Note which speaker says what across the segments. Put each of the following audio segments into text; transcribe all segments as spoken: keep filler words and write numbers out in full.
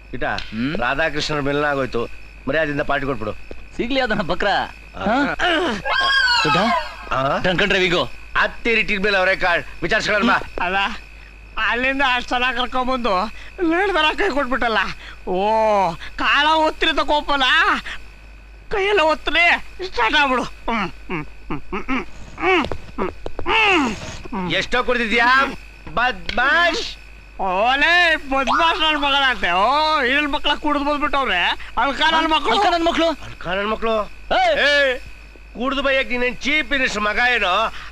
Speaker 1: ಇಟ ರಾಧಾಕೃಷ್ಣರ ಮಿಲನ ಆಗೋಯ್ತು, ಮರ್ಯಾದಿಂದ ಪಾರ್ಟಿ ಕೊಟ್ಬಿಡು.
Speaker 2: ಸಿಗ್ಲಿ ಅದನ್ನ ಬಕ್ರ ಡ್ರೈವಿಂಗು
Speaker 1: ಹತ್ತಿರಿಟ್ಟಿದ ಮೇಲೆ ಅವರೇ ಕಾಳ್ ವಿಚಾರಿಸ್ಕೊಳ್ಳ.
Speaker 3: ಅಲ್ಲ ಅಲ್ಲಿಂದ ಅಷ್ಟು ಸಲ ಕರ್ಕೊಂಬಂದು ಲೇಡ್ದರ ಕೈ ಕೊಟ್ಬಿಟ್ಟಲ್ಲ. ಓ ಕಾಳ ಒತ್ತಿರಿ ತಗೋಪಲ್ಲ, ಕೈಯೆಲ್ಲ ಒತ್ತರಿ ಸ್ಟಾರ್ಟ್ ಆಗ್ಬಿಡು.
Speaker 1: ಎಷ್ಟೋ ಕುಡಿದಿದ್ಯಾ ಬದ್ಮಾಶ್?
Speaker 3: ಓಲೇ ಬದ್ಮಾಶ್ ನನ್ನ ಮಗಳಂತೆ. ಓ ಇಳ್ ಮಕ್ಳ ಕುಡಿದು ಬಂದ್ಬಿಟ್ಟವ್ರೆ. ಅಲ್ಕ ನನ್ನ ಮಕ್ಕಳು
Speaker 2: ನನ್ನ ಮಕ್ಕಳು
Speaker 1: ಅಲ್ಕ ನನ್ನ ಮಕ್ಕಳು ಕುಡ್ದು ಬೈಯಕ್ ನೀನೇನ್ ಚೀಪ್ ಇನಿಸ್ ಮಗ ಏನೋ.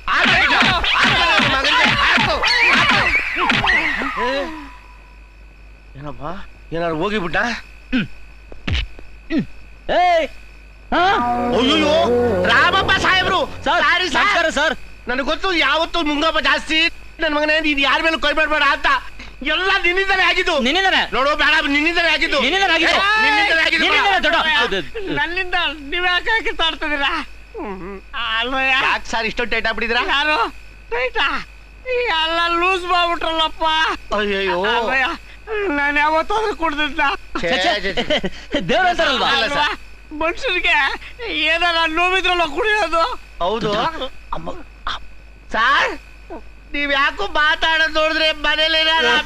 Speaker 1: ಏನಪ್ಪ ಏನಾರು ಹೋಗಿಬಿಟ್ಟ? ಅಯ್ಯೋ ರಾಮಪ್ಪ ಸಾಹೇಬ್ರು,
Speaker 2: ನಮಸ್ಕಾರ ಸರ್.
Speaker 1: ನನಗೆ ಗೊತ್ತು ಯಾವತ್ತು ಮುಂಗಪ್ಪ ಜಾಸ್ತಿ ನನ್ನ ಮಗನೇ, ನೀನ್ ಯಾರ ಮೇಲೆ ಕೈ ಮಾಡಬೇಡ ಅಂತ. ಎಲ್ಲ ನಿನ್ನಿಂದಲೇ ಆಗಿದ್ದು.
Speaker 2: ನಿನ್ನಿಂದಾನೆ
Speaker 1: ನೋಡು ಬೇಡ, ನಿನ್ನಿಂದಲೇ ಆಗಿದ್ದು.
Speaker 3: ನನ್ನಿಂದ ನೀವ್ ಯಾಕೆ ಕಿತ್ತಾಡ್ತಿದ್ದೀರಾ?
Speaker 1: ಯಾಕೆ ಸರ್ ಇಷ್ಟೊಂದು ಟೈಟ್ ಆಗ್ಬಿಟ್ಟಿದ್ರ?
Speaker 3: ಯಾರು ಟೈಟಾ? ಎಲ್ಲ ಲೂಸ್ ಮಾಡ್ಬಿಟ್ರಲ್ಲಪ್ಪ.
Speaker 1: ಅಯ್ಯೋ
Speaker 3: ನಾನು ಯಾವತ್ತಾದ್ರೂ ಕುಡ್ದಿದ್ದ
Speaker 2: ದೇವ್ರಂತಾರಲ್ವಾ
Speaker 3: ಮನುಷ್ಯರಿಗೆ ಏನಾರ ನೋವಿದ್ರಲ್ಲ ಕುಡಿಯೋದು.
Speaker 1: ಹೌದು ಸಾರ್, ನೀವ್ ಯಾಕೋ ಮಾತಾಡೋದು ನೋಡಿದ್ರೆ ಮನೇಲಿ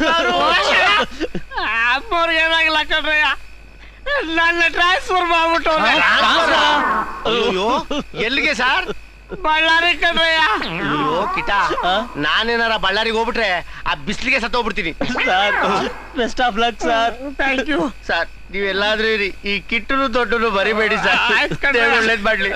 Speaker 3: ಅಮ್ಮವ್ರಿಗೆ ಏನಾಗಿಲ್ಲ ಕಣ್ರಯ್ಯ, ನನ್ನ ಟ್ರಾನ್ಸ್ಫರ್ ಮಾಡ್ಬಿಟ್ಟವ್ರೆ.
Speaker 1: ಅಯ್ಯೋ ಎಲ್ಲಿಗೆ ಸಾರ್?
Speaker 3: ಬಳ್ಳಾರಿ ಕಣ್ರಯ್ಯ.
Speaker 1: ಅಯ್ಯೋ ಕಿಟ, ನಾನೇನಾರ ಬಳ್ಳಾರಿಗೆ ಹೋಗ್ಬಿಟ್ರೆ ಆ ಬಿಸ್ಲಿಗೆ ಸತ್ತೋಗ್ಬಿಡ್ತೀನಿ.
Speaker 2: Best of luck sir.
Speaker 3: Thank you
Speaker 1: sir. ನೀವೆಲ್ಲಾದ್ರೂ ಇರಿ, ಈ ಕಿಟ್ಟನು ದೊಡ್ಡನು ಬರಿಬೇಡಿ ಸರ್. ಒಳ್ಳೇದ್ ಮಾಡ್ಲಿ.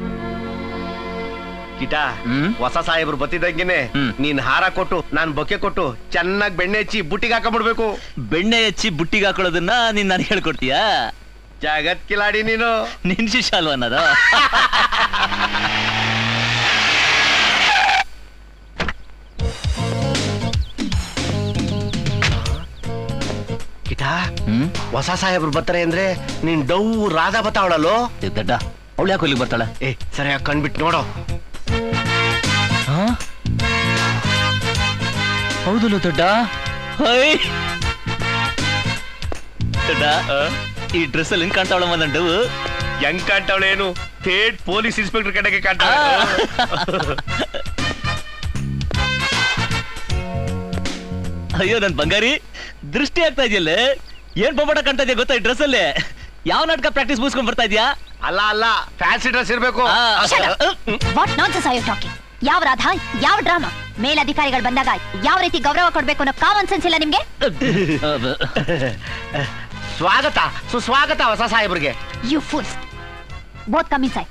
Speaker 1: ಕಿಟ, ಹೊಸ ಸಾಹೇಬ್ರು ಬತ್ತಿದಂಗೆನೆ ನೀನ್ ಹಾರ ಕೊಟ್ಟು ನಾನ್ ಬೊಕ್ಕೆ ಕೊಟ್ಟು ಚೆನ್ನಾಗಿ ಬೆಣ್ಣೆ ಹಚ್ಚಿ ಬುಟ್ಟಿಗೆ ಹಾಕೊಂಡ್ಬಿಡ್ಬೇಕು.
Speaker 2: ಬೆಣ್ಣೆ ಹಚ್ಚಿ ಬುಟ್ಟಿಗೆ ಹಾಕೊಳ್ಳೋದನ್ನ ನೀನ್ ನನಗೆ ಹೇಳ್ಕೊಡ್ತೀಯಾ?
Speaker 1: ಜಗತ್ ಕಿಲಾಡಿ ನೀನು.
Speaker 2: ನಿನ್ ಶಿಷ್ಯ ಅಲ್ವಾ ಅನ್ನೋದು?
Speaker 1: ಕಿಟ, ಹೊಸ ಸಾಹೇಬ್ರು ಬರ್ತಾರೆ ಅಂದ್ರೆ ನೀನ್ ಡೌ ರಾಧಾ ಬತ್ತಾವಳಲ್ಲೋ.
Speaker 2: ದಡ್ಡ, ಅವಳು ಯಾಕೆ ಇಲ್ಲಿಗೆ ಬರ್ತಾಳೆ?
Speaker 1: ಏ ಸರಿಯಾಗಿ ಕಣ್ಬಿಟ್ಟು ನೋಡೋ.
Speaker 2: ಹೌದಲ್ಲ ದೊಡ್ಡ? ದೊಡ್ಡ, ಈ ಡ್ರೆಸ್ ಅಲ್ಲಿ ಹೆಂಗ್ ಕಾಣ್ತಾವಳಮ್ಮ ನಂಡು?
Speaker 1: ಹೆಂಗ್ ಕಾಣ್ತಾವಳೇನು? ಥೇಟ್ ಪೊಲೀಸ್ ಇನ್ಸ್ಪೆಕ್ಟರ್ ಕಡೆಗೆ ಕಾಣ್ತಾವ.
Speaker 2: ಅಯ್ಯೋ ನನ್ ಬಂಗಾರಿ, ದೃಷ್ಟಿ ಆಗ್ತಾ ಇದೆಯಲ್ಲ. ಏನ್ ಬೊಬ್ಬಟ ಕಾಣ್ತಾ ಇದೆಯಾ ಗೊತ್ತಾ ಈ ಡ್ರೆಸ್ ಅಲ್ಲಿ? ಯಾವ ನಾಟಕ ಪ್ರಾಕ್ಟೀಸ್ ಮುಗಿಸ್ಕೊಂಡ್ ಬರ್ತಾ ಇದೆಯಾ?
Speaker 1: ಅಲ್ಲ ಅಲ್ಲ, ಫ್ಯಾನ್ಸಿ ಡ್ರೆಸ್ ಇರ್ಬೇಕು.
Speaker 4: What nonsense are you talking? ಯಾವ ರಾಧಾ, ಯಾವ ಡ್ರಾಮಾ? ಮೇಲಧಿಕಾರಿಗಳು ಬಂದಾಗ ಯಾವ ರೀತಿ ಗೌರವ ಕೊಡ್ಬೇಕು ಅನ್ನೋ ಕಾಮನ್ ಸೆನ್ಸ್ ಇಲ್ಲ ನಿಮ್ಗೆ?
Speaker 1: ಸ್ವಾಗತ ಸುಸ್ವಾಗತ ಹೊಸ ಸಾಹೇಬ್ರಿಗೆ.
Speaker 4: You fools, both come inside.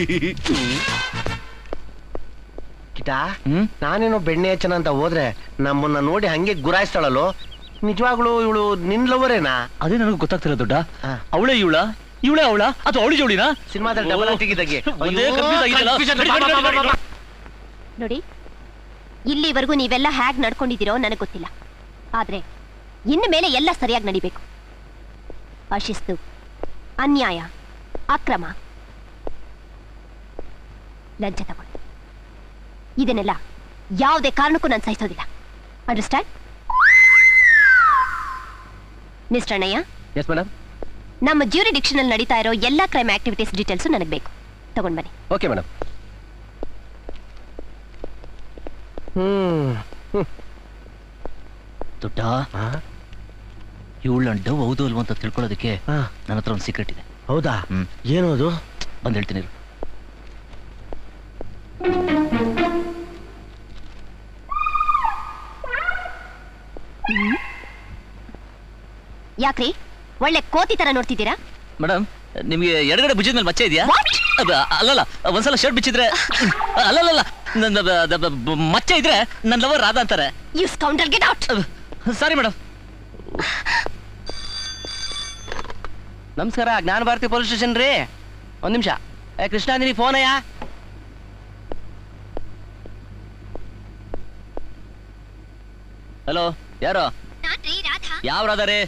Speaker 1: ಕಿಟ, ನಾನೇನೋ ಬೆಣ್ಣೆ ಹಚ್ಚನ ಅಂತ ಹೋದ್ರೆ ನಮ್ಮನ್ನ ನೋಡಿ ಹಂಗೆ ಗುರಾಯಿಸ್ತಾಳಲ್ಲೋ. ನಿಜವಾಗ್ಲು ಇವಳು ನಿನ್ ಲವರೇನಾ?
Speaker 2: ಅದೇ ನನಗೆ ಗೊತ್ತಾಗ್ತಿಲ್ಲ ದೊಡ್ಡ. ಅವಳೇ ಇವಳ, ಇವಳೇ ಅವಳ ಅಥವಾ ಅವಳಿ ಜೋಳಿನಾ?
Speaker 1: ಸಿನಿಮಾದಲ್ಲಿ ಡಬಲ್ ಆಟಿಗಿದ್ದಾಗೆ
Speaker 4: ನೋಡಿ, ಇಲ್ಲಿವರೆಗೂ ನೀವೆಲ್ಲ ಹ್ಯಾಗ್ ನಡ್ಕೊಂಡಿದ್ದೀರೋ ನನಗೆ ಗೊತ್ತಿಲ್ಲ. ಆದ್ರೆ ಇನ್ನು ಮೇಲೆ ಎಲ್ಲ ಸರಿಯಾಗಿ ನಡಿಬೇಕು. ಅಶಿಸ್ತು, ಅನ್ಯಾಯ, ಅಕ್ರಮ, ಲಂಚ ತಗೊಂಡು ಇದನ್ನೆಲ್ಲ ಯಾವುದೇ ಕಾರಣಕ್ಕೂ ನಾನು ಸಹಿಸೋದಿಲ್ಲ. Understand? Mister Annayya.
Speaker 2: Yes madam.
Speaker 4: ನಮ್ಮ ಜ್ಯೂರಿಡಿಕ್ಷನ್ ಅಲ್ಲಿ ನಡೀತಾ ಇರೋ ಎಲ್ಲಾ ಕ್ರೈಮ್ ಆಕ್ಟಿವಿಟೀಸ್ ಡೀಟೇಲ್ಸ್ ನನಗೆ ಬೇಕು. ತಗೊಂಡ್ ಬನ್ನಿ.
Speaker 2: Okay madam.
Speaker 1: ಹ್ಮ್
Speaker 2: ದೊಡ್ಡ, ಇವಳು ಡವ್ ಹೌದು ಅಲ್ವಾ ಅಂತ ತಿಳ್ಕೊಳ್ಳೋದಕ್ಕೆ ನನ್ನ ಹತ್ರ ಒಂದು ಸೀಕ್ರೆಟ್ ಇದೆ.
Speaker 1: ಹೌದಾ? ಏನು ಅದು?
Speaker 2: ಬಂದು ಹೇಳ್ತೀನಿ.
Speaker 4: ಯಾಕ್ರಿ ಒಳ್ಳೆ ಕೋತಿ ತರ ನೋಡ್ತಿದ್ದೀರಾ?
Speaker 2: ಮೇಡಮ್, ನಿಮ್ಗೆ ಎಡಗಡೆ ಭುಜದ ಮೇಲೆ ಮಚ್ಚೆ ಇದೆಯಾ? ಅಲ್ಲಲ್ಲ, ಒಂದ್ಸಲ ಶರ್ಟ್ ಬಿಚ್ಚಿದ್ರೆ ಅಲ್ಲಲ್ಲ ಮಚ್ಚೆ ಇದ್ರೆ ನನ್ನ ಲವರ್ ರಾಧಾ ಅಂತಾರೆ.
Speaker 4: You scoundrel, get out.
Speaker 2: Sorry madam.
Speaker 5: ನಮಸ್ಕಾರ, ಜ್ಞಾನ ಭಾರತಿ ಪೊಲೀಸ್ ಸ್ಟೇಷನ್ ರೀ. ಒಂದ್ ನಿಮಿಷ. ಏ ಕೃಷ್ಣ, ನಿನಗೆ ಫೋನ್ ಅಯ್ಯ?
Speaker 2: ಹಲೋ, ಯಾರು? ಯಾವ ರಾಧಾ ರೇ?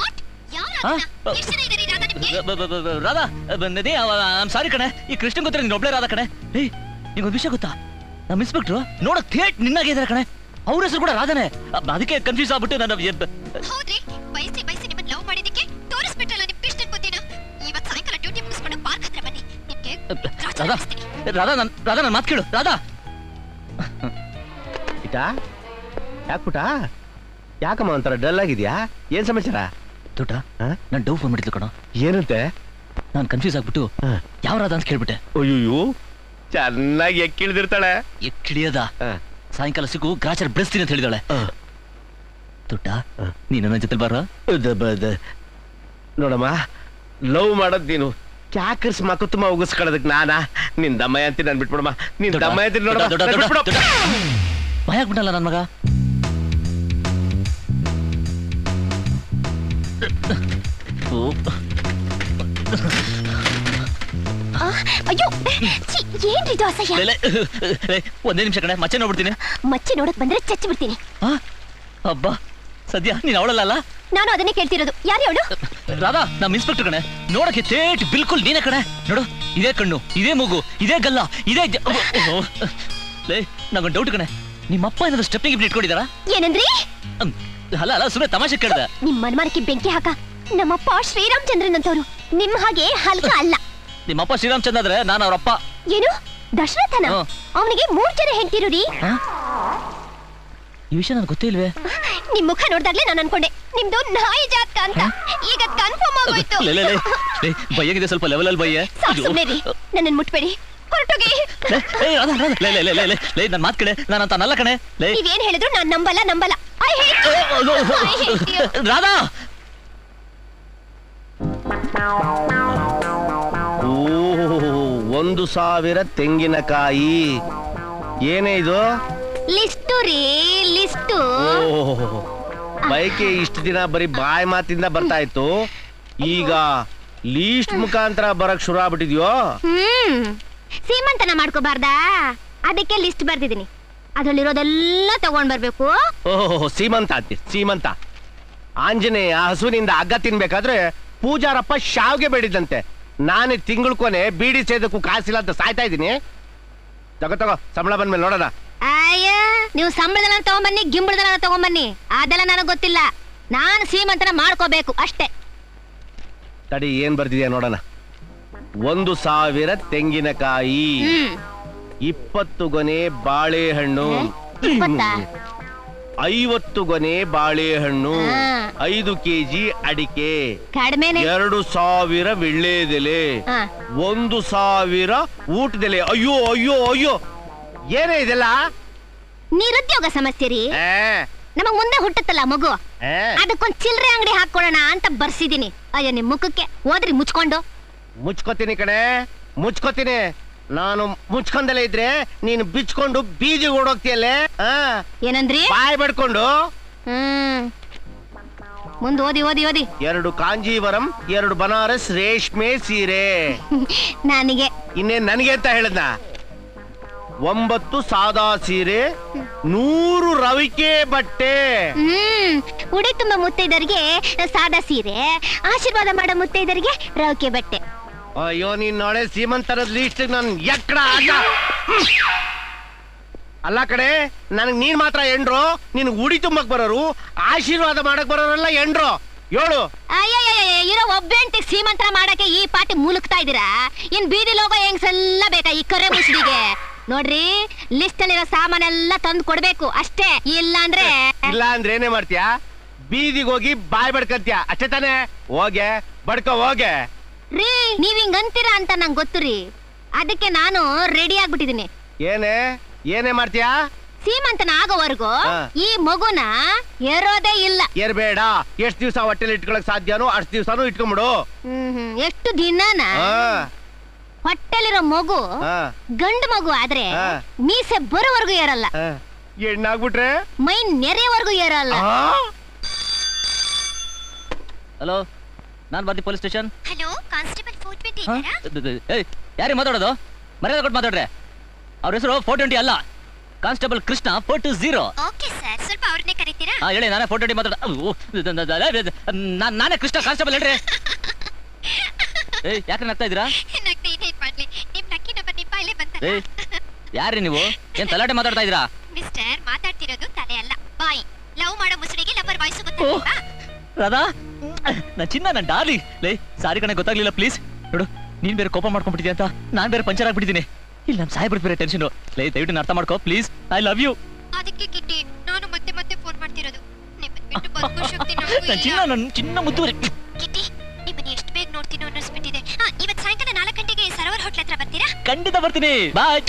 Speaker 2: ರಾಧಾ ಬಂದಿದೆ. ಸಾರಿ ಕಣೆ, ಈ ಕೃಷ್ಣ ಗೊತ್ತಿರ ನೀನ್ ಒಬ್ಳೆ ರಾಧಾ ಕಣೆ. ಏಯ್, ನಿಂಗೊಂದು ವಿಷಯ ಗೊತ್ತಾ? ನಮ್ಮ ಇನ್ಸ್ಪೆಕ್ಟ್ರು ನೋಡಕ್ ಥೇಟ್ ನಿನ್ನಾಗೆ ಇದಾರೆ ಕಣೆ. ಅವ್ರ ಹೆಸರು ಕೂಡ ರಾಧಾನೆ. ಅದಕ್ಕೆ ಕನ್ಫ್ಯೂಸ್ ಆಗ್ಬಿಟ್ಟು ನಾನು ರಾಧಾ ರಾಧಾ ನನ್ ರಾಧಾ ನನ್ ಮಾತು ಕೇಳು ರಾಧಾ.
Speaker 1: ಇಟ ಯಾಕೆ ಪುಟ ಯಾಕಮ್ಮ ಒಂಥರ ಡಲ್ ಆಗಿದ್ಯಾ? ಏನ್ ಸಮಾಚಾರ?
Speaker 2: ದೊಡ್ಡ
Speaker 1: ಹಾ?
Speaker 2: ನಾನು ಡೌ ಫೋನ್ ಮಾಡಿದ್ಲು ಕಣ.
Speaker 1: ಏನಂತೆ?
Speaker 2: ನಾನು ಕನ್ಫ್ಯೂಸ್ ಆಗ್ಬಿಟ್ಟು
Speaker 1: ಹಾ.
Speaker 2: ಯಾವ ರಾಧಾ ಅಂತ ಕೇಳ್ಬಿಟ್ಟೆ.
Speaker 1: ಅಯ್ಯೋ ಚೆನ್ನಾಗಿ ಎಕ್ಕಿಳಿದಿರ್ತಾಳೆ.
Speaker 2: ಎಕ್ಕಿಳಿಯದ
Speaker 1: ಹಾ.
Speaker 2: ಸಾಯಂಕಾಲ ಸಿಗು ಗ್ರಾಚಾರ ಬೆಳೆಸ್ತೀನಿ ಅಂತ ಹೇಳಿದಾಳೆ.
Speaker 1: ಹಾ.
Speaker 2: ದೊಡ್ಡ
Speaker 1: ಹಾ.
Speaker 2: ನೀನು ನನ್ನ ಜೊತೆ ಬಾರ.
Speaker 1: ದ- ಬ- ದ- ನೋಡಮ್ಮ, ಲವ್ ಮಾಡೋದ್ ನೀನು ಕ್ಯಾಕರ್ಸ್ ಮಕ್ಕುತ್ತಮ್ಮ ಉಗಿಸ್ಕೊಳ್ಳೋದಕ್ ನಾನಾ? ನಿನ್ ದಮ್ಮಯ್ಯ ಅಂತೀನಿ ನನ್ ಬಿಟ್ಬಿಡಮ್ಮ. ನಿನ್
Speaker 2: ದೊಡ್ಡ,
Speaker 1: ದಮ್ಮಯ್ಯ ಅಂತೀನಿ
Speaker 2: ದೊಡ್ಡ, ದೊಡ್ಡ, ದೊಡ್ಡ,
Speaker 1: ನೋಡಮ್ಮ.
Speaker 2: ದೊಡ್ಡ. ಭಯ ಆಗ್ಬಿಟ್ಟಲ್ಲ ನನ್ ಮಗ. ಓ,
Speaker 4: ಆ, ಅಯ್ಯೋ ಛೀ, ಏನ್ರಿ ಇದು ಅಸಹ್ಯ.
Speaker 2: ಲೇ, ಲೇ, ಲೇ, ಒಂದೇ ನಿಮಿಷ ಕಣೆ, ಮಚ್ಚೆ ನೋಡ್ಬಿಡ್ತೀನಿ.
Speaker 4: ಮಚ್ಚಿ ನೋಡಕ್ ಬಂದ್ರೆ ಚಚ್ಚಿ ಬಿಡ್ತೀನಿ.
Speaker 2: ಆ, ಅಬ್ಬಾ ಸದ್ಯ ನೀನ್ ಅವಳಲ್ಲ.
Speaker 4: ನಾನು ಅದನ್ನೇ ಕೇಳ್ತಿರೋದು. ಯಾರು ಅವಳು?
Speaker 2: ರಾಧಾ ನಮ್ಮ ಇನ್ಸ್ಪೆಕ್ಟರ್ ಕಣೆ. ನೋಡಕ್ಕೆ ತೇಟ್ ಬಿಲ್ಕುಲ್ ನೀನೇ ಕಣೆ. ನೋಡು, ಇದೇ ಕಣ್ಣು, ಇದೇ ಮೂಗು, ಇದೇ ಗಲ್ಲ, ಇದೇ ಜ- ಓ, ಓ. ಲೇ, ನಂಗೊಂದು ಡೌಟ್ ಕಣೆ. ನಿಮ್ಮಪ್ಪ ಏನಾದ್ರು ಸ್ಟೆಪ್ಪಿಂಗ್ ಇಬ್ರು ಇಟ್ಕೊಂಡಿದಾರಾ?
Speaker 4: ಏನಂದ್ರಿ?
Speaker 2: ಅಮ್, ಅಲ್ಲ ಅಲ್ಲ ಸುಮ್ಮನೆ ತಮಾಷೆ ಕೇಳ್ದೆ.
Speaker 4: ನಿಮ್ ಮನ್ಮಾನಕ್ಕೆ ಬೆಂಕಿ ಹಾಕ. ನಮ್ಮಪ್ಪ ಶ್ರೀರಾಮಚಂದ್ರನ್ ಅಂತವ್ರು, ನಿಮ್ ಹಾಗೆ ಹಲ್ಕ ಅಲ್ಲ.
Speaker 2: ನಿಮ್ಮಪ್ಪ ಶ್ರೀರಾಮಚಂದ್ರ ಆದ್ರೆ ನಾನು ಅವ್ರಪ್ಪ.
Speaker 4: ಏನು ದಶರಥನ?
Speaker 2: ಹಾ.
Speaker 4: ಅವನಿಗೆ ಮೂರ್ ಜನ ಹೆಂಡ್ತಿರು ರೀ.
Speaker 2: ಆ? ಈ ವಿಷಯ ನನ್ಗೆ ಗೊತ್ತೇ ಇಲ್ವೇ?
Speaker 4: ನಿಮ್ ಮುಖ ನೋಡ್ದಾಗ್ಲೇ ನಾನು ಅನ್ಕೊಂಡೆ ನಿಮ್ದು ನಾಯಿ ಜಾತಕ ಅಂತ. ಈಗ ಕನ್ಫರ್ಮ್ ಆಗೋಯ್ತು.
Speaker 2: ಲೇ, ಲೇ, ಲೇ, ಲೇ, ಬಯ್ಯಗಿದೆ ಸ್ವಲ್ಪ ಲೆವೆಲ್ ಅಲ್ಲಿ ಬಯ್ಯ.
Speaker 4: ಸಾಕ್ ಸುಮ್ನೆ ರೀ, ನನ್ನನ್ ಮುಟ್ಬೇಡಿ, ಹೊರಟೋಗಿ.
Speaker 2: ಲೇ, ಲೇ, ರಾಧಾ, ರಾಧಾ, ಲೇ, ಲೇ, ಲೇ, ಲೇ, ಲೇ, ಲೇ, ನನ್ ಮಾತ್ ಕಡೆ, ನಾನು ಅಂತ ನಲ್ಲ ಕಣೆ. ಲೇ,
Speaker 4: ನೀವೇನ್ ಹೇಳಿದ್ರು ನಾನ್ ನಂಬಲ್ಲ ನಂಬಲ್ಲ. I hate you. I hate you.
Speaker 2: Radha.
Speaker 1: ಓ, ಒಂದು ಸಾವಿರ ತೆಂಗಿನಕಾಯಿ. ಏನೇ ಇದು?
Speaker 4: ಲಿಸ್ಟು ರೀ, ಲಿಸ್ಟು.
Speaker 1: ಓ, ಬೈಕೆ ಇಷ್ಟು ದಿನ ಬರೀ ಬಾಯಿ ಮಾತಿಂದ ಬರ್ತಾ ಇತ್ತು, ಈಗ ಲೀಸ್ಟ್ ಮುಖಾಂತರ ಬರಕ್ ಶುರು ಆಗ್ಬಿಟ್ಟಿದ್ಯೋ?
Speaker 4: ಹ್ಮ್ ಸೀಮಂತನ ಮಾಡ್ಕೋಬಾರ್ದಾ? ಅದಕ್ಕೆ ಲಿಸ್ಟ್ ಬರ್ದಿದ್ದೀನಿ. ಅದ್ರಲ್ಲಿರೋದೆಲ್ಲ ತಗೊಂಡ್ ಬರ್ಬೇಕು.
Speaker 1: ಓಹೋ, ಸೀಮಂತ ಅಂತಿ ಸೀಮಂತ. ಆಂಜನೇಯ ಹಸುವಿನಿಂದ ಹಗ್ಗ ತಿನ್ಬೇಕಾದ್ರೆ ಪೂಜಾರಪ್ಪ ಶಾವ್ಗೆ ಬೇಡಿದಂತೆ. ನಾನೇ ತಿಂಗಳ ಕೊನೆ ಬೀಡಿ ಸೇದಕ್ಕೂ ಕಾಸಿಲ್ಲ ಅಂತ ಸಾಯ್ತಾ ಇದ್ದೀನಿ. ತಗೋ ತಗೋ, ಸಂಬಳ ಬಂದ್ಮೇಲೆ ನೋಡೋಣ.
Speaker 4: ಅಯ್ಯ, ನೀವು ಸಂಬಳದಲ್ಲ ತಗೊಂಬನ್ನಿ, ಗಿಂಬಳದಲ್ಲ ತಗೊಂಬನ್ನಿ, ಅದೆಲ್ಲ ನನಗ್ ಗೊತ್ತಿಲ್ಲ. ನಾನು ಸೀಮಂತನ ಮಾಡ್ಕೋಬೇಕು ಅಷ್ಟೇ.
Speaker 1: ತಡಿ, ಏನ್ ಬರ್ದಿದ್ಯಾ ನೋಡೋಣ. ಒಂದು ಸಾವಿರ ತೆಂಗಿನಕಾಯಿ,
Speaker 4: ಹ್ಮ್
Speaker 1: ಇಪ್ಪತ್ತು ಗೊನೆ ಬಾಳೆಹಣ್ಣು,
Speaker 4: ಇಪ್ಪತ್ತಾ?
Speaker 1: ಐವತ್ತು ಗೊನೆ ಬಾಳೆಹಣ್ಣು,
Speaker 4: ಹಾ.
Speaker 1: ಐದು ಕೆಜಿ ಅಡಿಕೆ,
Speaker 4: ಕಡಿಮೆನೆ.
Speaker 1: ಎರಡು ಸಾವಿರ ವಿಳ್ಳೆದೆಲೆ,
Speaker 4: ಹಾ.
Speaker 1: ಒಂದು ಸಾವಿರ ಊಟದೆಲೆ. ಅಯ್ಯೋ ಅಯ್ಯೋ ಅಯ್ಯೋ, ಏನೇ ಇದೆಲ್ಲ?
Speaker 4: ನಿರುದ್ಯೋಗ ಸಮಸ್ಯೆ ರೀ.
Speaker 1: ಏ,
Speaker 4: ನಮಗ್ ಮುಂದೆ ಹುಟ್ಟುತ್ತಲ್ಲ ಮಗು,
Speaker 1: ಏ,
Speaker 4: ಅದಕ್ಕೊಂದ್ ಚಿಲ್ರೆ ಅಂಗಡಿ ಹಾಕೊಳ್ಳೋಣ ಅಂತ ಬರ್ಸಿದೀನಿ. ಅಯ್ಯೋ ನಿಮ್ ಮುಖಕ್ಕೆ ಓದ್ರಿ ಮುಚ್ಕೊಂಡು.
Speaker 1: ಮುಚ್ಕೋತೀನಿ ಕಣೆ, ಮುಚ್ಕೋತೀನಿ. ನಾನು ಮುಚ್ಕೊಂಡಲೇ ಇದ್ರೆ ನೀನು ಬಿಚ್ಕೊಂಡು ಬೀದಿ ಓಡೋಗ್ತೀಯಲ್ಲೇ. ಆ,
Speaker 4: ಏನಂದ್ರಿ?
Speaker 1: ಬಾಯ್ ಬಡ್ಕೊಂಡು.
Speaker 4: ಹ್ಮ್ ಮುಂದ್ ಓದಿ ಓದಿ ಓದಿ.
Speaker 1: ಎರಡು ಕಾಂಜೀವರಂ, ಎರಡು ಬನಾರಸ್ ರೇಷ್ಮೆ ಸೀರೆ.
Speaker 4: ನನಗೆ
Speaker 1: ಇನ್ನೇನ್ ನನಗೆ ಅಂತ ಹೇಳದ್ನ? ಒಂಬತ್ತು ಸಾದಾ ಸೀರೆ, ನೂರು ರವಿಕೆ ಬಟ್ಟೆ.
Speaker 4: ಹ್ಮ್ ಉಡಿ ತುಂಬ ಮುತ್ತೈದರಿಗೆ ಸಾದಾ ಸೀರೆ, ಆಶೀರ್ವಾದ ಮಾಡೋ ಮುತ್ತೈದರಿಗೆ ರವಿಕೆ ಬಟ್ಟೆ.
Speaker 1: ಅಯ್ಯೋ, ನೀನ್ ನಾಳೆ ಸೀಮಂತರದ ಲೀಸ್ಟ್ ನನ್ ಎಕ್ಕಡ ಆಟ. ಅಲ್ಲ ಕಡೆ, ನನಗ್ ನೀನ್ ಮಾತ್ರ ಎಂಡ್ರು. ನಿನ್ ಉಡಿ ತುಂಬಕ್ ಬರೋರು, ಆಶೀರ್ವಾದ ಮಾಡಕ್ ಬರೋರೆಲ್ಲ ಎಂಡ್ರು. ಏಳು.
Speaker 4: ಅಯ್ಯಯ್ಯ, ಇರೋ ಒಬ್ಬೆಂಟಿಗೆ ಸೀಮಂತ ಮಾಡಕ್ಕೆ ಈ ಪಾಟಿ ಮುಲುಕ್ತಾ ಇದೀರಾ? ಇನ್ ಬೀದಿ ಲೋಗೋ ಹೆಂಗ್ಸೆಲ್ಲ ಬೇಕಾ ಈ ಕರೆ ಮುಸುಡಿಗೆ? ನೋಡ್ರಿ, ಲಿಸ್ಟ್ ಅಲ್ಲಿರೋ ಸಾಮಾನೆಲ್ಲ ತಂದು ಕೊಡ್ಬೇಕು ಅಷ್ಟೇ. ಇಲ್ಲ ಅಂದ್ರೆ
Speaker 1: ಇಲ್ಲ ಅಂದ್ರೆ ಏನೇ ಮಾಡ್ತೀಯಾ? ಬೀದಿಗೆ ಹೋಗಿ ಬಾಯ್ ಬಡ್ಕಂತ್ಯ ಅಷ್ಟೇ ತಾನೆ? ಹೋಗೆ ಬಡ್ಕೋ ಹೋಗೆ.
Speaker 4: ರೀ, ನೀವ್ ಹಿಂಗ್ ಅಂತೀರಾ ಅಂತ ನಂಗೆ ಗೊತ್ತು ರೀ. ಅದಕ್ಕೆ ನಾನು ರೆಡಿ ಆಗ್ಬಿಟ್ಟಿದೀನಿ.
Speaker 1: ಏನೇ ಏನೇ ಮಾಡ್ತೀಯಾ?
Speaker 4: ಸೀಮಂತನ ಆಗೋವರೆಗೂ
Speaker 1: ಹಾ.
Speaker 4: ಈ ಮಗುನ ಎರೋದೇ ಇಲ್ಲ.
Speaker 1: ಏರ್ಬೇಡ. ಎಷ್ಟ್ ದಿವ್ಸ ಹೊಟ್ಟೆಲಿ ಇಟ್ಕೊಳಕ್ ಸಾಧ್ಯನೋ ಅಷ್ಟ್ ದಿವ್ಸನೂ ಇಟ್ಕೊಂಬಿಡು.
Speaker 4: ಹ್ಮ್ ಹ್ಮ್ ಎಷ್ಟು ದಿನನ
Speaker 1: ಹಾ,
Speaker 4: ಹೊಟ್ಟೆಲಿರೋ ಮಗು
Speaker 1: ಹಾ,
Speaker 4: ಗಂಡು ಮಗು ಆದ್ರೆ
Speaker 1: ಹಾ.
Speaker 4: ಮೀಸೆ ಬರೋವರೆಗೂ ಏರಲ್ಲ,
Speaker 1: ಹಾ. ಹೆಣ್ಣಾಗ್ಬಿಟ್ರೆ
Speaker 4: ಮೈ ನೆರೆಯವರೆಗೂ ಏರಲ್ಲ.
Speaker 2: ಹಲೋ, ನಾನ್ ಬರ್ದಿ police station.
Speaker 4: Hello, constable four twenty
Speaker 2: ಏಯ್, ಯಾರಿಗೆ ಮಾತಾಡೋದು? ಮರ್ಯಾದೆ ಕೊಟ್ಟು ಮಾತಾಡ್ರೆ. ಅವ್ರ ಹೆಸರು ಫೋರ್ ಟ್ವೆಂಟಿ ಅಲ್ಲ, constable Krishna four two zero.
Speaker 4: Okay sir, ಸ್ವಲ್ಪ ಅವ್ರನ್ನೇ ಕರೀತೀರಾ?
Speaker 2: ಹಾ ಹೇಳಿ, ನಾನೇ ಫೋರ್ ಟ್ವೆಂಟಿ ಮಾತಾಡ. ನಾನೇ ಕೃಷ್ಣ ಕಾನ್ಸ್ಟೇಬಲ್, ಹೇಳ್ರಿ. ಏಯ್, ಯಾಕೆ ನಗ್ತಾ ಇದ್ದೀರಾ?
Speaker 4: ನಗ್ದೆ ಇನ್ನೇನ್ ಮಾಡ್ಲಿ, ನಿಮ್ ಲಕ್ಕಿ ನಂಬರ್ ನಿಮ್ಮ ಬಾಯಲ್ಲೇ ಬಂತಲ್ಲ.
Speaker 2: ಏಯ್, ಯಾರ್ರಿ ನೀವು? ಏನ್ ತಲಾಟೆ ಮಾತಾಡ್ತಾ ಇದ್ದೀರಾ?
Speaker 4: ಮಿಸ್ಟರ್, ಮಾತಾಡ್ತಿರೋದು ತಲೆ ಅಲ್ಲ ಬಾಯಿ. ಲವ್ ಮಾಡೋ ಮುಸುಡಿಗೆ ಲವರ್ ವಾಯ್ಸ್
Speaker 2: ಓ,
Speaker 4: ಗೊತ್ತಿಲ್ವಾ?
Speaker 2: ರಾಧಾ, ನಾ ಚಿನ್ನ, ನನ್ ಡಾರ್ಲಿಂಗ್. ಲೇ, ಸಾರಿ ಕಣೆ, ಗೊತ್ತಾಗ್ಲಿಲ್ಲ, ಪ್ಲೀಸ್. ನೋಡು, ನೀನ್ ಬೇರೆ ಕೋಪ ಮಾಡ್ಕೊಂಡ್ಬಿಟ್ಟಿದ್ಯಾ ಅಂತ ನಾನ್ ಬೇರೆ ಪಂಚರ್ ಆಗ್ಬಿಟ್ಟಿದ್ದೀನಿ. ಇಲ್ಲಿ ನಮ್ ಸಾಹೇಬ್ರ ಬೇರೆ ಟೆನ್ಷನ್. ಲೈ ದಯವಿಟ್ಟು ಅರ್ಥ ಮಾಡ್ಕೋ ಪ್ಲೀಸ್. I love you.
Speaker 6: ಅದಕ್ಕೆ ಕಿಟ್ಟಿ ನಾನು ಮತ್ತೆ ಮತ್ತೆ ಫೋನ್ ಮಾಡ್ತಿರೋದು. ನಿಮ್ಮನ್ನ ಬಿಟ್ಟು ಬದುಕೋ ಶಕ್ತಿ ನನಗೂ
Speaker 2: ನನ್ ಚಿನ್ನ
Speaker 6: ಇಲ್ಲ.
Speaker 2: ನನ್ ಚಿನ್ನ ಮುದ್ದುವರೆ.
Speaker 6: ಕಿಟ್ಟಿ ನಿಮ್ಮನ್ನ ಎಷ್ಟು ಬೇಗ ನೋಡ್ತೀನೋ ಅನ್ನಿಸ್ಬಿಟ್ಟಿದೆ. ಹಾ, ಇವತ್ತು ಸಾಯಂಕಾಲ ನಾಲ್ಕು ಗಂಟೆಗೆ ಸರೋವರ್ ಹೋಟ್ಲ್ ಹತ್ರ ಬರ್ತೀರಾ?
Speaker 2: ಖಂಡಿತ ಬರ್ತೀನಿ. ಬಾಯ್.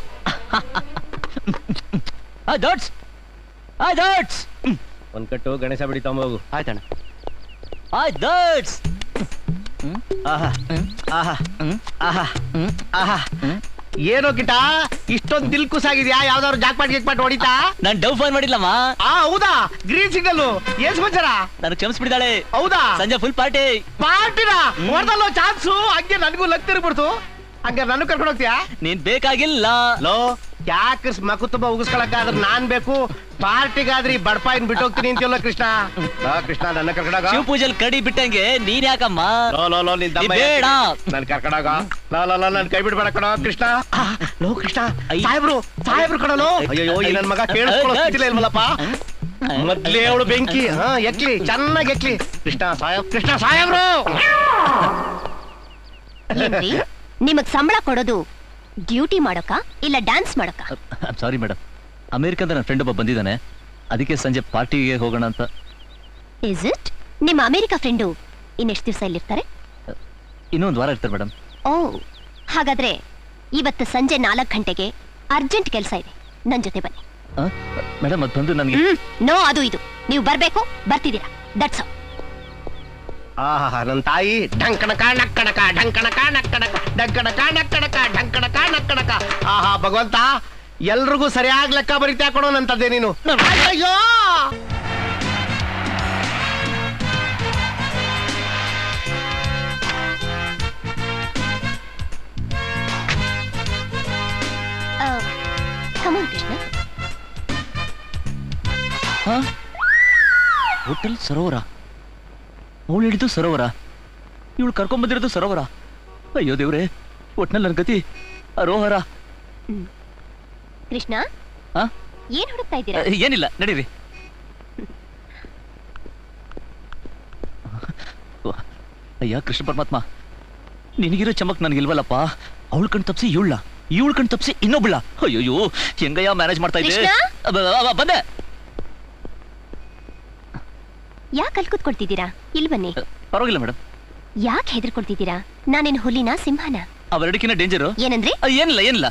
Speaker 2: ಆ ಡಾಟ್ಸ್ ಆ ಡಾಟ್ಸ್
Speaker 1: ಒಂದ್ ಕಟ್ಟು ಗಣೇಶ ಬಿಡಿ ತಗೊಂಬೋಗು.
Speaker 5: ಆಯ್ತಣ್ಣ.
Speaker 2: ಆ ಡಾಟ್ಸ್
Speaker 1: ಆಹಾ ಆಹಾ ಆಹಾ ಆಹಾ ಏನೋ ಕಿಟ ಇಷ್ಟೊಂದು ದಿಲ್ ಕುಸಾಗಿದ್ಯಾ? ಯಾವ್ದಾದ್ರು ಜಾಕ್ಪಾಟ್ ಗಿಕ್ಪಾಟ್ ಹೊಡಿತಾ?
Speaker 2: ನಾನ್ ಡವ್ ಫೋನ್ ಮಾಡಿಲ್ಲಮ್ಮ.
Speaker 1: ಆ ಹೌದಾ? ಗ್ರೀನ್ ಸಿಗ್ನಲ್ ಏನ್ ಸಮಾಚಾರ?
Speaker 2: ನನಗೆ ಕ್ಷಮಿಸ್ಬಿಡಿದಾಳೆ.
Speaker 1: ಹೌದಾ?
Speaker 2: ಸಂಜೆ ಫುಲ್ ಪಾರ್ಟಿ.
Speaker 1: ಪಾರ್ಟಿನ ಹೊಡೆದಲ್ಲೋ ಚಾನ್ಸು. ಹಂಗೆ ನನಗೂ ಲಗ್ ತಿರ್ಬಿಡ್ತು. ಹಂಗ ನಾನು ಕರ್ಕೊಂಡು ಹೋಗ್ತೀಯಾ?
Speaker 2: ನೀನ್ ಬೇಕಾಗಿಲ್ಲ.
Speaker 1: ಲೋ ಯಾಕೆ ಮಕು ತುಂಬಾ ಉಗಿಸ್ಕೊಳಕ್ಕಾದ್ರೆ ನಾನ್ ಬೇಕು. ಪಾರ್ಟಿಗಾದ್ರಿ ಬಡಪಾಯಿನ್ ಬಿಟ್ಟು ಹೋಗ್ತೀನಿ ಅಂತೀವಲ್ಲ ಕೃಷ್ಣ. ಆ, ಕೃಷ್ಣ ನನ್ನ ಕರ್ಕೊಂಡಾಗ
Speaker 2: ಶಿವ ಪೂಜೆಲ್ ಕಡಿ ಬಿಟ್ಟಂಗೆ ನೀನ್ ಯಾಕಮ್ಮ?
Speaker 1: ಲೋ ಲೋ ಲೋ ನಿನ್ ದಮ್ಮ
Speaker 2: ನೀ ಬೇಡ.
Speaker 1: ನನ್ ಕರ್ಕೊಂಡಾಗ ಲೋ ಲೋ ಲೋ ನನ್ ಕೈ ಬಿಡ್ಬೇಡ ಕಣೋ ಕೃಷ್ಣ. ಆ, ಲೋ ಕೃಷ್ಣ
Speaker 2: ಐ.
Speaker 1: ಸಾಹೇಬ್ರು ಸಾಹೇಬ್ರು ಕಣೋ. ಅಯ್ಯೋ ಈ ನನ್ ಮಗ ಕೇಳಿಸ್ಕೊಳ್ಳೋ ಸ್ಥಿತಿಲೇ ಇಲ್ವಲ್ಲಪ್ಪ. ಮೊದ್ಲೇ ಅವಳು ಬೆಂಕಿ. ಹಾ ಎಕ್ಲಿ ಚೆನ್ನಾಗಿ ಎಕ್ಲಿ. ಕೃಷ್ಣ ಸಾಹೇಬ್ ಕೃಷ್ಣ ಸಾಹೇಬ್ರು.
Speaker 4: ಏನ್ರಿ ನಿಮಗ್ ಸಂಬಳ ಕೊಡೋದು ಡ್ಯೂಟಿ ಮಾಡೋಕ ಇಲ್ಲ ಡ್ಯಾನ್ಸ್ ಮಾಡೋಕ?
Speaker 2: ಸಾರಿ ಮೇಡಮ್, ಅಮೆರಿಕದ ನನ್ನ ಫ್ರೆಂಡ್ ಒಬ್ಬ ಬಂದಿದ್ದಾನೆ, ಅದಕ್ಕೆ ಸಂಜೆ ಪಾರ್ಟಿಗೆ ಹೋಗೋಣ ಅಂತ.
Speaker 4: Is it? ನಿಮ್ಮ ಅಮೆರಿಕ ಫ್ರೆಂಡು ಇನ್ನೆಷ್ಟು ದಿವಸ ಇಲ್ಲಿರ್ತಾರೆ?
Speaker 2: ಇನ್ನೊಂದು ವಾರ ಇರ್ತಾರೆ ಮೇಡಮ್.
Speaker 4: ಓ, ಹಾಗಾದ್ರೆ ಇವತ್ತು ಸಂಜೆ ನಾಲ್ಕು ಗಂಟೆಗೆ ಅರ್ಜೆಂಟ್ ಕೆಲಸ ಇದೆ, ನನ್ ಜೊತೆ ಬನ್ನಿ.
Speaker 2: ಮೇಡಮ್ ಅದು ಬಂದು ನನಗೆ
Speaker 4: ಹ್ಮ್ ನೋ ಅದು ಇದು ನೀವು ಬರ್ಬೇಕು, ಬರ್ತಿದ್ದೀರಾ, ದಟ್ಸ್ ಆಲ್.
Speaker 1: ಆಹಾ ನನ್ ತಾಯಿ ಢಂಕಣಕ ನಕ್ಕಣಕ ಢಂಕಣಕ ನಕ್ಕಣಕ ಢಂಕಣಕ ನಕ್ಕಣಕ ಢಂಕಣಕ ನಕ್ಕಣಕ. ಆಹಾ ಭಗವಂತ ಎಲ್ರಿಗೂ ಸರಿಯಾಗಿ ಲೆಕ್ಕ ಬರೀತಾ ಕೊಡೋ ನಂತದ್ದೇ ನೀನು. ಅಯ್ಯೋ
Speaker 4: ಕಮಾನ್ ಕೃಷ್ಣ.
Speaker 2: ಹೋಟೆಲ್ ಸರೋವರ, ಅವಳು ಹಿಡಿದು ಸರೋವರ, ಇವಳು ಕರ್ಕೊಂಡ್ ಬಂದಿರೋದು ಸರೋವರ. ಅಯ್ಯೋ ದೇವ್ರೆ, ಒಟ್ನಲ್ಲಿ ನನ್ನ ಗತಿ ಅರೋಹರ.
Speaker 4: ಕೃಷ್ಣ
Speaker 2: ಆ?
Speaker 4: ಏನ್ ಹುಡುಕ್ತಾ ಇದ್ದೀರಾ?
Speaker 2: ಏನಿಲ್ಲ, ನಡೀರಿ. ಅಯ್ಯ ಕೃಷ್ಣ ಪರಮಾತ್ಮ, ನಿನಗಿರೋ ಚಮಕ್ ನನಗಿಲ್ವಲ್ಲಪ್ಪ. ಅವಳು ಕಣ್ ತಪ್ಸಿ ಇವಳ, ಇವಳು ಕಣ್ ತಪ್ಸಿ ಇನ್ನೊಬ್ಳ. ಅಯ್ಯೋ ಹೆಂಗಯ್ಯ ಮ್ಯಾನೇಜ್ ಮಾಡ್ತಾ ಇದ್ದೆ.
Speaker 4: ಕೃಷ್ಣ?
Speaker 2: ಅಬ್ಬ, ಅಬ್ಬ, ಬಂದೆ.
Speaker 4: ಯಾಕೆ ಅಲ್ಲಿ ಕೂತ್ಕೊಳ್ತಿದ್ದೀರಾ? ಇಲ್ಲಿ ಬನ್ನಿ.
Speaker 2: ಪರವಾಗಿಲ್ಲ ಮೇಡಮ್.
Speaker 4: ಯಾಕೆ ಹೆದರ್ಕೊಳ್ತಿದ್ದೀರಾ? ನಾನೇನು ಹುಲಿನ ಸಿಂಹನ?
Speaker 2: ಅವೆರಡಕ್ಕಿಂತ ಡೇಂಜರು.
Speaker 4: ಏನಂದ್ರೆ?
Speaker 2: ಏನಿಲ್ಲ ಏನಿಲ್ಲ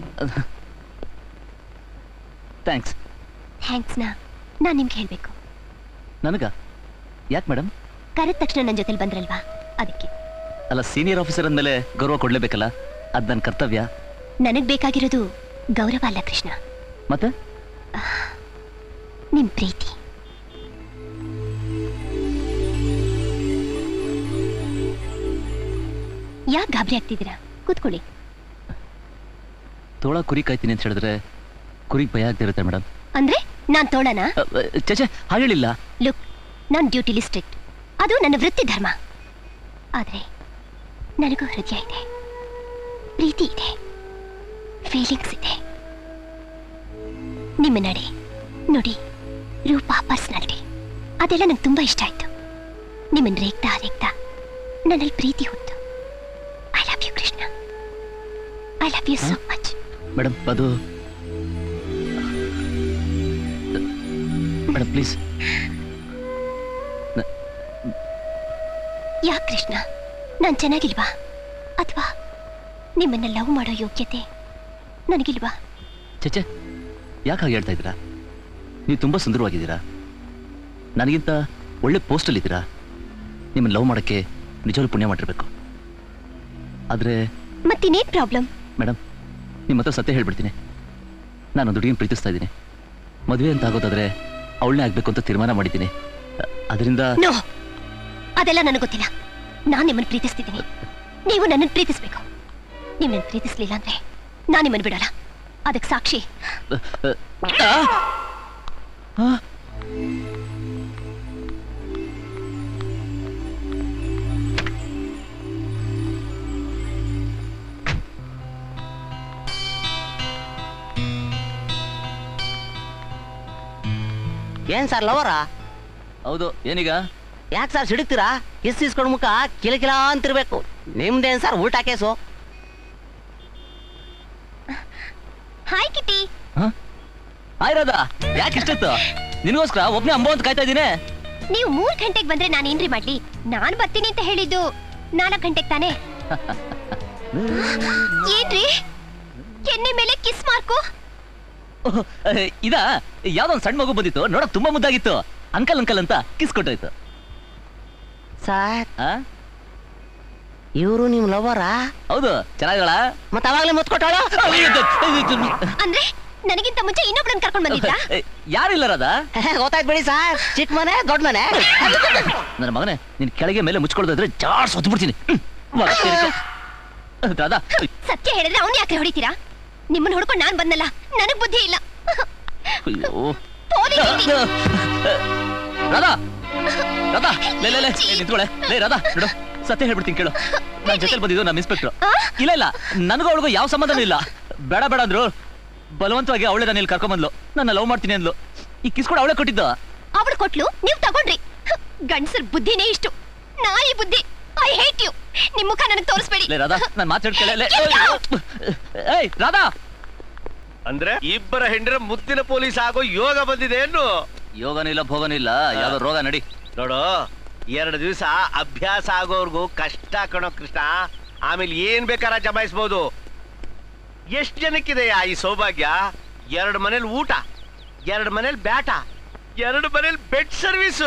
Speaker 2: ಥ್ಯಾಂಕ್ಸ್.
Speaker 4: ಥ್ಯಾಂಕ್ಸ್ ನಾ ನಾನ್ ನಿಮ್ಗೆ ಹೇಳ್ಬೇಕು.
Speaker 2: ನನಗ ಯಾಕೆ ಮೇಡಮ್?
Speaker 4: ಕರೆದ ತಕ್ಷಣ ನನ್ನ ಜೊತೆಲಿ ಬಂದ್ರಲ್ವಾ, ಅದಕ್ಕೆ.
Speaker 2: ಅಲ್ಲ, ಸೀನಿಯರ್ ಆಫೀಸರ್ ಅಂದಮೇಲೆ ಗೌರವ ಕೊಡ್ಲೇಬೇಕಲ್ಲ, ಅದ್ ನನ್ನ ಕರ್ತವ್ಯ.
Speaker 4: ನನಗ್ ಬೇಕಾಗಿರೋದು ಗೌರವ ಅಲ್ಲ ಕೃಷ್ಣ,
Speaker 2: ಮತ್ತೆ
Speaker 4: ನಿಮ್ ಪ್ರೀತಿ. ಯಾಕೆ ಗಾಬರಿ ಆಗ್ತಿದ್ದೀರಾ? ಕೂತ್ಕೊಳ್ಳಿ.
Speaker 2: ತೋಳ ಕುರಿ ಕಾಯ್ತೀನಿ ಅಂತ ಹೇಳಿದ್ರೆ ಕುರಿಗೆ ಭಯ ಆಗ್ತಿರುತ್ತೆ ಮೇಡಮ್.
Speaker 4: ಅಂದ್ರೆ ನಾನ್ ತೋಳನ?
Speaker 2: ಚಚೆ ಹಾಗೇಳಿಲ್ಲ.
Speaker 4: ಲುಕ್, ನಾನ್ ಡ್ಯೂಟಿಲಿ ಸ್ಟ್ರಿಕ್ಟ್, ಅದು ನನ್ನ ವೃತ್ತಿ ಧರ್ಮ. ಆದ್ರೆ ನನಗೂ ಹೃದಯ ಇದೆ, ಪ್ರೀತಿ ಇದೆ, ಫೀಲಿಂಗ್ಸ್ ಇದೆ. ನಿಮ್ಮ ನಡೆ, ನುಡಿ, ರೂಪ, ಪರ್ಸನಾಲಿಟಿ ಅದೆಲ್ಲ ನಂಗೆ ತುಂಬಾ ಇಷ್ಟ ಆಯ್ತು. ನಿಮ್ಮನ್ನ ರೇಗ್ತಾ ರೇಗ್ತಾ ನನ್ನಲ್ಲಿ ಪ್ರೀತಿ ಹುಟ್ಟು. I love you Krishna, I love you so much.
Speaker 2: Madam ಅದು ಮೇಡಮ್ ಪ್ಲೀಸ್.
Speaker 4: ಯಾಕೆ ಕೃಷ್ಣ, ನಾನ್ ಚೆನ್ನಾಗಿಲ್ವಾ? ಅಥವಾ ನಿಮ್ಮನ್ನ ಲವ್ ಮಾಡೋ ಯೋಗ್ಯತೆ ನನಗಿಲ್ವಾ?
Speaker 2: ಚಚೆ ಯಾಕೆ ಹಾಗೆ ಹೇಳ್ತಾ ಇದ್ದೀರಾ? ನೀವು ತುಂಬಾ ಸುಂದರವಾಗಿದ್ದೀರಾ, ನನಗಿಂತ ಒಳ್ಳೆ ಪೋಸ್ಟಲ್ಲಿ ಇದ್ದೀರಾ. ನಿಮ್ಮನ್ನು ಲವ್ ಮಾಡೋಕ್ಕೆ ನಿಜವಾಗ್ಲೂ ಪುಣ್ಯ ಮಾಡಿರ್ಬೇಕು. ಆದರೆ
Speaker 4: ಮತ್ತಿನ್ನೇನ್ ಪ್ರಾಬ್ಲಮ್?
Speaker 2: ಮೇಡಮ್, ನಿಮ್ಮ ಹತ್ರ ಸತ್ಯ ಹೇಳ್ಬಿಡ್ತೀನಿ. ನಾನೊಂದು ಹುಡುಗಿನ ಪ್ರೀತಿಸ್ತಾ ಇದ್ದೀನಿ. ಮದುವೆ ಅಂತ ಆಗೋದಾದ್ರೆ ಅವಳನ್ನೇ ಆಗ್ಬೇಕು ಅಂತ ತೀರ್ಮಾನ ಮಾಡಿದ್ದೀನಿ. ಅದರಿಂದ
Speaker 4: ನೋ, ಅದೆಲ್ಲ ನನಗೆ ಗೊತ್ತಿಲ್ಲ. ನಾನು ನಿಮ್ಮನ್ನು ಪ್ರೀತಿಸ್ತಿದ್ದೀನಿ, ನೀವು ನನ್ನನ್ನು ಪ್ರೀತಿಸ್ಬೇಕು. ನೀವು ನನ್ನ ಪ್ರೀತಿಸ್ಲಿಲ್ಲ ಅಂದ್ರೆ ನಾನು ನಿಮ್ಮನ್ನು ಬಿಡಲ್ಲ. ಅದಕ್ಕೆ ಸಾಕ್ಷಿ
Speaker 5: ಏನ್ ಸರ್ ಲವರಾ?
Speaker 2: ಹೌದು. ಏನೀಗ?
Speaker 5: ಯಾಕೆ ಸರ್ ಸಿಡುಕ್ತೀರಾ? ಕಿಸ್ ಇಸ್ಕೊಂಡ್ ಮುಖ ಕಿಲ ಕಿಲ ಅಂತಿರ್ಬೇಕು. ನಿಮ್ದೇನ್ ಸರ್ ಊಟ case?
Speaker 4: Hi Kitty.
Speaker 2: Hi Radha, ಯಾಕೆ ಇಷ್ಟೊತ್ತು? ನಿನಗೋಸ್ಕರ ಒಬ್ನೇ ಅಂಬೋ ಅಂತ ಕಾಯ್ತಾ ಇದ್ದೀನಿ.
Speaker 4: ನೀವು ಮೂರ್ ಗಂಟೆಗೆ ಬಂದ್ರೆ ನಾನು ಏನ್ರಿ ಮಾಡ್ಲಿ? ನಾನ್ ಬರ್ತೀನಿ ಅಂತ ಹೇಳಿದ್ದು ನಾಲ್ಕು ಗಂಟೆಗೆ ತಾನೆ. ಏನ್ರಿ ಎಣ್ಣೆ ಮೇಲೆ ಕಿಸ್ ಮಾರ್ಕು?
Speaker 2: ಇದ ಯಾವ್ದೋ ಒಂದು ಸಣ್ಣ ಮಗು ಬಂದಿತ್ತು, ನೋಡಕ್ ತುಂಬಾ ಮುದ್ದಾಗಿತ್ತು. ಅಂಕಲ್ ಅಂಕಲ್ ಅಂತ ಕಿಸ್ ಕೊಟ್ಟೋಯ್ತು.
Speaker 5: ಸರ್,
Speaker 2: ಆ?
Speaker 5: ಇವರು ನಿಮ್ ಲವರಾ?
Speaker 2: ಹೌದು, ಚೆನ್ನಾಗಳ.
Speaker 5: ಮತ್ತ ಅವಾಗ್ಲೇ ಮುತ್ಕೊಟ್ಟಾಳ?
Speaker 4: ಅಂದ್ರೆ ನನಗಿಂತ ಮುಂಚೆ ಇನ್ನೊಬ್ರನ್ನ ಕರ್ಕೊಂಡ್ ಬಂದಿದ್ದ?
Speaker 2: ಯಾರಿಲ್ಲ ರಾಧಾ.
Speaker 5: ಗೊತ್ತಾಯ್ತು ಬಿಡಿ ಸರ್, ಚಿಕ್ಕ ಮನೆ ದೊಡ್ಡ ಮನೆ.
Speaker 2: ನನ್ನ ಮಗನೇ, ನಿನ್ ಕೆಳಗೆ ಮೇಲೆ ಮುಚ್ಕೊಳ್ದಿದ್ರೆ ಜಾರ್ ಸೊತ್ತು ಬಿಡ್ತೀನಿ. ರಾಧಾ,
Speaker 4: ಸತ್ಯ ಹೇಳಿದ್ರೆ ಅವ್ನ್ ಯಾಕೆ ಹೊಡಿತೀರಾ? ನಿಮ್ಮನ್ನ ಹೊಡ್ಕೊಂಡು ನಾನ್ ಬಂದಲ್ಲ, ನನಗ್ ಬುದ್ಧಿ ಇಲ್ಲ.
Speaker 2: ಅಯ್ಯೋ
Speaker 4: ಪೋಲಿ ಕಿಟಿ.
Speaker 2: ರಾಧಾ, ರಾಧಾ, ಲೇ ಲೇ ಲೇ ನಿಂತ್ಕೊಳೆ. ಲೇ ರಾಧಾ, ನೋಡು, ಸತ್ಯ ಹೇಳ್ಬಿಡ್ತೀನಿ ಕೇಳು. ನಾನ್ ಜೊತೆಲಿ ಬಂದಿದ್ದು ನಮ್ಮ ಇನ್ಸ್ಪೆಕ್ಟರ್. ಇಲ್ಲ ಇಲ್ಲ, ನನಗೂ ಅವಳಿಗೂ ಯಾವ ಸಂಬಂಧನೂ ಇಲ್ಲ. ಬೇಡ ಬೇಡ ಅಂದ್ರು ಬಲವಂತವಾಗಿ ಅವಳೆ ನಾನು ಇಲ್ಲಿ ಕರ್ಕೊಂಡ್ ಬಂದ್ಲು. ನನ್ನ ಲವ್ ಮಾಡ್ತೀನಿ ಅಂದ್ಲು. ಈ ಕಿಸ್ ಕೂಡ ಅವಳೆ ಕೊಟ್ಟಿದ್ದು.
Speaker 4: ಅವಳು ಕೊಟ್ಲು, ನೀವ್ ತಗೊಂಡ್ರಿ. ಗಂಡಸರ್ ಬುದ್ಧಿನೇ ಇಷ್ಟು, ನಾಯಿ ಬುದ್ಧಿ. I hate you. ನಿಮ್ ಮುಖ ನನಗ್ ತೋರಿಸ್ಬೇಡಿ.
Speaker 2: ಲೇ ರಾಧಾ, ನಾನು ಮಾತಾಡ್ಕೊಳ್ಳೆ. ಏಯ್ ರಾಧಾ,
Speaker 1: ಅಂದ್ರೆ ಇಬ್ಬರ ಹೆಂಡರ ಮುತ್ತಿನ ಪೊಲೀಸ್ ಆಗೋ ಯೋಗ ಬಂದಿದೆ ಏನು?
Speaker 2: ಯೋಗನೂ ಇಲ್ಲ ಭೋಗನೂ ಇಲ್ಲ, ಯಾವ್ದೋ ರೋಗ. ನಡಿ
Speaker 1: ನೋಡು, ಎರಡು ದಿವಸ ಅಭ್ಯಾಸ ಆಗೋರ್ಗು ಕಷ್ಟ ಕಣೋ ಕೃಷ್ಣ. ಆಮೇಲೆ ಏನ್ ಬೇಕಾರ ಜಮಾಯಿಸ್ಬೋದು. ಎಷ್ಟ್ ಜನಕ್ಕಿದೆಯಾ ಈ ಸೌಭಾಗ್ಯ? ಎರಡು ಮನೇಲಿ ಊಟ, ಎರಡು ಮನೇಲಿ ಬ್ಯಾಟ, ಎರಡು ಮನೇಲಿ ಬೆಡ್ ಸರ್ವಿಸ್.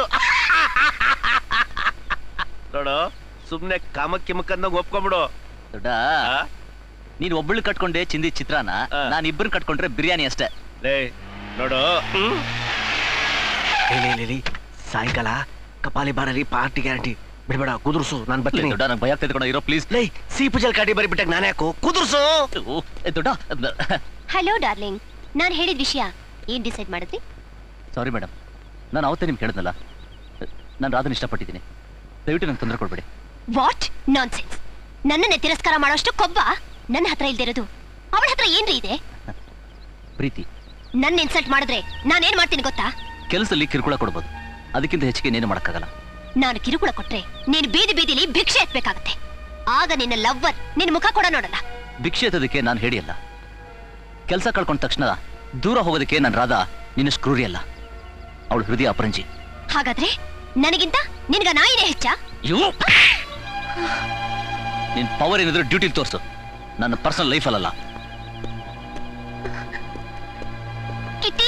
Speaker 1: ನೋಡು, ಸುಮ್ನೆ ಕಾಮಕ್ಕೆ ಮುಖಂದಾಗ ಒಪ್ಕೊಂಬಿಡು.
Speaker 2: ದೊಡ್ಡ, ನೀನ್ ಒಬ್ಬಳು ಕಟ್ಕೊಂಡೆ ಚಿಂದಿ ಚಿತ್ರಾನ, ನಾನು ಇಬ್ಬರು ಕಟ್ಕೊಂಡ್ರೆ ಬಿರಿಯಾನಿ ಅಷ್ಟೇ.
Speaker 1: ಲೇ ನೋಡು, ಸಾಯಂಕಾಲ ಕಪಾಲಿ ಬಾರಲ್ಲಿ ಪಾರ್ಟಿ ಗ್ಯಾರಂಟಿ. ಬಿಡ್ಬೇಡ, ಕುದುರ್ಸು, ನಾನ್ ಬರ್ತೀನಿ.
Speaker 2: ದೊಡ್ಡ, ನಂಗೆ ಭಯ ಆಗ್ತದೆ ಕಣ, ಇರೋ ಪ್ಲೀಸ್.
Speaker 1: ಲೈ ಸೀಪು ಜಲ್ ಕಾಟಿ ಬರಿ ಬಿಟ್ಟಾಗ ನಾನು ಯಾಕೋ ಕುದುರ್ಸು.
Speaker 2: ದೊಡ್ಡ,
Speaker 4: ಹಲೋ ಡಾರ್ಲಿಂಗ್, ನಾನ್ ಹೇಳಿದ ವಿಷಯ ಏನ್ ಡಿಸೈಡ್ ಮಾಡಿದ್ರಿ?
Speaker 2: ಸಾರಿ ಮೇಡಮ್, ನಾನು ಅವತ್ತೇ ನಿಮ್ಗೆ ಕೇಳಿದ್ನಲ್ಲ, ನಾನು ರಾಧನ್ ಇಷ್ಟಪಟ್ಟಿದ್ದೀನಿ. ದಯವಿಟ್ಟು ನಂಗೆ ತೊಂದರೆ ಕೊಡ್ಬೇಡಿ.
Speaker 4: What nonsense! ನನ್ನನ್ನೇ ತಿರಸ್ಕಾರ ಮಾಡೋಷ್ಟು ಕೊಬ್ಬ ನನ್ನ ಹತ್ರ ಇಲ್ದಿರೋದು ಅವಳ ಹತ್ರ ಏನ್ರಿ ಇದೆ?
Speaker 2: ಪ್ರೀತಿ.
Speaker 4: ನನ್ನ ಇನ್ಸಲ್ಟ್ ಮಾಡಿದ್ರೆ ನಾನೇನ್ ಮಾಡ್ತೀನಿ ಗೊತ್ತಾ?
Speaker 2: ಕೆಲಸದಲ್ಲಿ ಕಿರುಕುಳ ಕೊಡ್ಬೋದು, ಅದಕ್ಕಿಂತ ಹೆಚ್ಚಿಗೆ ಏನೇನು ಮಾಡಕ್ಕಾಗಲ್ಲ.
Speaker 4: ನಾನು ಕಿರುಕುಳ ಕೊಟ್ರೆ ನೀನು ಬೀದಿ ಬೀದಿಲಿ ಭಿಕ್ಷೆ ಎತ್ಬೇಕಾಗತ್ತೆ. ಆಗ ನಿನ್ನ ಲವ್ವರ್ ನಿನ್ನ ಮುಖ ಕೂಡ ನೋಡಲ್ಲ.
Speaker 2: ಭಿಕ್ಷೆ ಎತ್ತೋದಕ್ಕೆ ನಾನು ಹೇಳಿಯಲ್ಲ. ಕೆಲಸ ಕಳ್ಕೊಂಡ ತಕ್ಷಣ ದೂರ ಹೋಗೋದಕ್ಕೆ ನಾನು ರಾಧಾ ನಿನ್ನ ಕ್ರೂರಿ ಅಲ್ಲ. ಅವಳು ಹೃದಯ ಅಪರಂಜಿ.
Speaker 4: ಹಾಗಾದ್ರೆ ನನಗಿಂತ ನಿನ್ಗ ನಾಯಿನೇ ಹೆಚ್ಚ?
Speaker 2: ನಿನ್ ಪವರ್ ಏನಿದ್ರು ಡ್ಯೂಟಿಲಿ ತೋರಿಸು, ನನ್ನ ಪರ್ಸನಲ್ ಲೈಫ್ ಅಲ್ಲ.
Speaker 4: ಕಿಟ್ಟಿ,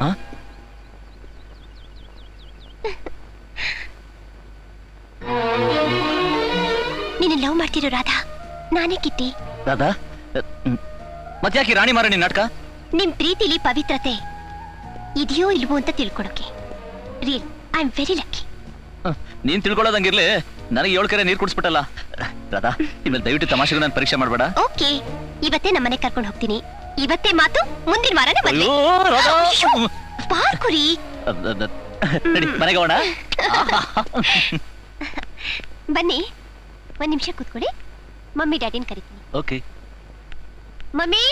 Speaker 4: ನೀನು ಲವ್ ಮಾಡ್ತಿರೋ ರಾಧಾ ನಾನೇ ಕಿಟ್ಟಿ.
Speaker 2: ರಾಧಾ, ಮತ್ತ್ಯಾಕೆ ರಾಣಿ ಮಾರಣಿ ನಾಟಕ?
Speaker 4: ನಿಮ್ ಪ್ರೀತಿಲಿ ಪವಿತ್ರತೆ ಇದೆಯೋ ಇಲ್ವೋ ಅಂತ ತಿಳ್ಕೊಳಕ್ಕೆ. Real I am very lucky.
Speaker 2: ನೀನ್ ತಿಳ್ಕೊಳ್ಳೋದಂಗಿರ್ಲಿ, ನನಗೆ ಏಳು ಕೆರೆ ನೀರು ಕುಡಿಸ್ಬಿಟ್ಟಲ್ಲ. ರಾಧಾ, ಇನ್ಮೇಲೆ ದಯವಿಟ್ಟು ತಮಾಷೆಗೂ ನಾನು ಪರೀಕ್ಷೆ ಮಾಡಬೇಡ.
Speaker 4: ಓಕೆ, ಇವತ್ತೇ ನಮ್ಮನೆ ಕರ್ಕೊಂಡು ಹೋಗ್ತೀನಿ. ಇವತ್ತೇ ಮಾತು, ಮುಂದಿನ ವಾರನೇ ಮದ್ವೆ. ಪಾರ್ಕುರಿ,
Speaker 2: ನಡಿ ಮನೆಗೆ ಹೋಗೋಣ.
Speaker 4: ಬನ್ನಿ, ಒಂದ್ ನಿಮಿಷ ಕೂತ್ಕೊಳ್ಳಿ. ಮಮ್ಮಿ ಡ್ಯಾಡಿನ ಕರಿತೀನಿ.
Speaker 2: ಓಕೆ.
Speaker 4: ಮಮ್ಮಿ,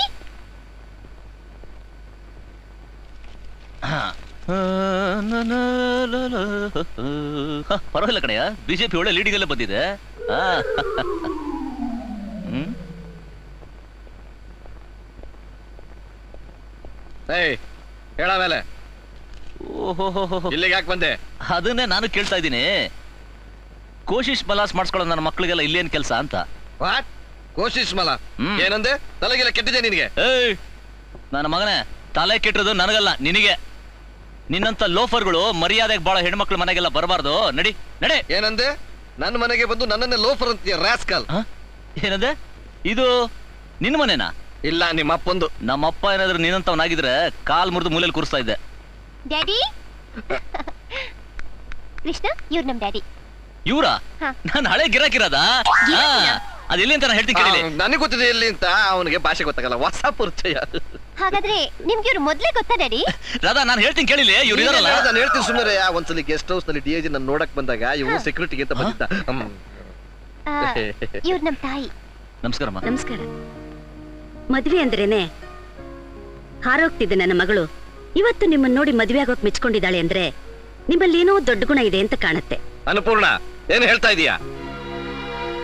Speaker 2: ಪರವಾಗಿಲ್ಲ ಕಣಯ್ಯ, ಬಿಜೆಪಿ ಒಳ್ಳೆ ಲೀಡಿಂಗ್ ಎಲ್ಲ ಬಂದಿದೆ. ಹ್ಮ್,
Speaker 1: ಹೇಳ ಮೇಲೆ
Speaker 2: ಓಹೋ,
Speaker 1: ಇಲ್ಲಿಗೆ ಯಾಕೆ ಬಂದೆ?
Speaker 2: ಅದನ್ನೇ ನಾನು ಕೇಳ್ತಾ ಇದ್ದೀನಿ. ಕೋಶಿಶ್ ಮಲಾಸ್ ಮಾಡಿಸ್ಕೊಳ್ಳೋ ನನ್ನ ಮಕ್ಕಳಿಗೆಲ್ಲ ಇಲ್ಲೇನ್ ಕೆಲಸ ಅಂತ.
Speaker 1: ವಾಟ್ ಕೋಶಿಶ್ ಮಲ?
Speaker 2: ಹ್ಮ್.
Speaker 1: ಏನಂದೆ? ತಲೆಗೆಲ್ಲ ಕೆಟ್ಟಿದೆ ನಿನಗೆ?
Speaker 2: ಏಯ್, ನನ್ನ ಮಗನೇ, ತಲೆ ಕೆಟ್ಟಿರೋದು ನನಗಲ್ಲ, ನಿನಗೆ. ನಿನ್ನಂತ ಲೋಫರ್ಗಳು ಮರ್ಯಾದೆಗೆ ಬಾಳ ಹೆಣ್ಮಕ್ಳು ಮನೆಗೆಲ್ಲ ಬರಬಾರ್ದು. ನಡಿ ನಡೆ.
Speaker 1: ಏನಂದೆ? ನನ್ನ ಮನೆಗೆ ಬಂದು ನನ್ನನ್ನೇ ಲೋಫರ್ ಅಂತೀಯ ರಾಸ್ಕಲ್.
Speaker 2: ಏನಂದೆ? ಇದು ನಿನ್ನ ಮನೆನಾ?
Speaker 1: ಇಲ್ಲ, ನಿಮ್ಮ ಅಪ್ಪಂದು.
Speaker 2: ನಮ್ಮಪ್ಪ ಏನಾದ್ರು ನಿನ್ನಂತವನಾಗಿದ್ರೆ ಕಾಲ್ ಮುರಿದು ಮೂಲೆಯಲ್ಲಿ ಕೂರಿಸ್ತಾ ಇದ್ದೆ.
Speaker 4: ಡ್ಯಾಡಿ. ಕೃಷ್ಣ, ಇವ್ರು ನಮ್ ಡ್ಯಾಡಿ.
Speaker 2: ಇವ್ರ?
Speaker 4: ಹಾ.
Speaker 2: ನಾನು ಹಳೆ ಗಿರಾಕಿರದ. ಅದೆಲ್ಲಿ ಅಂತ ನಾನು ಹೇಳ್ತೀನಿ ಕೇಳಿ.
Speaker 1: ನನಗೆ ಗೊತ್ತಿದೆ ಎಲ್ಲಿ ಅಂತ, ಅವನಿಗೆ ಭಾಷೆ ಗೊತ್ತಾಗಲ್ಲ, ಹೊಸ ಪರಿಚಯ.
Speaker 4: ಹಾಗಾದ್ರೆ ನಿಮ್ಗೆ ಇವ್ರು ಮೊದ್ಲೇ ಗೊತ್ತಾ ಡ್ಯಾಡಿ?
Speaker 2: ರಾಧಾ, ನಾನು ಹೇಳ್ತೀನಿ ಕೇಳಿಲಿ. ಇವ್ರು ಇದಾರಲ್ಲ,
Speaker 1: ನಾನು ಹೇಳ್ತೀನಿ ಸುಮ್ಮನೆ. ಒಂದ್ಸಲಿ ಗೆಸ್ಟ್ ಹೌಸ್ ನಲ್ಲಿ ಡಿ ಐ ಜಿ ನನ್ನ ನೋಡಕ್ ಬಂದಾಗ ಇವ್ರು ಸೆಕ್ಯೂರಿಟಿಗೆ ಅಂತ ಬಂದಿದ್ದ.
Speaker 4: ಆ, ಇವ್ರು ನಮ್ ತಾಯಿ.
Speaker 2: ನಮಸ್ಕಾರಮ್ಮ.
Speaker 7: ನಮಸ್ಕಾರ. ಮದ್ವೆ ಅಂದ್ರೇನೆ ಹಾರೋಗ್ತಿದ್ದೆ ನನ್ನ ಮಗಳು ಇವತ್ತು ನಿಮ್ಮನ್ನ ನೋಡಿ ಮದ್ವೆ ಆಗೋಕ್ ಮೆಚ್ಕೊಂಡಿದ್ದಾಳೆ ಅಂದ್ರೆ ನಿಮ್ಮಲ್ಲಿ ಏನೋ ದೊಡ್ಡ ಗುಣ ಇದೆ ಅಂತ ಕಾಣುತ್ತೆ.
Speaker 1: ಅನ್ನಪೂರ್ಣ, ಏನ್ ಹೇಳ್ತಾ ಇದೀಯಾ?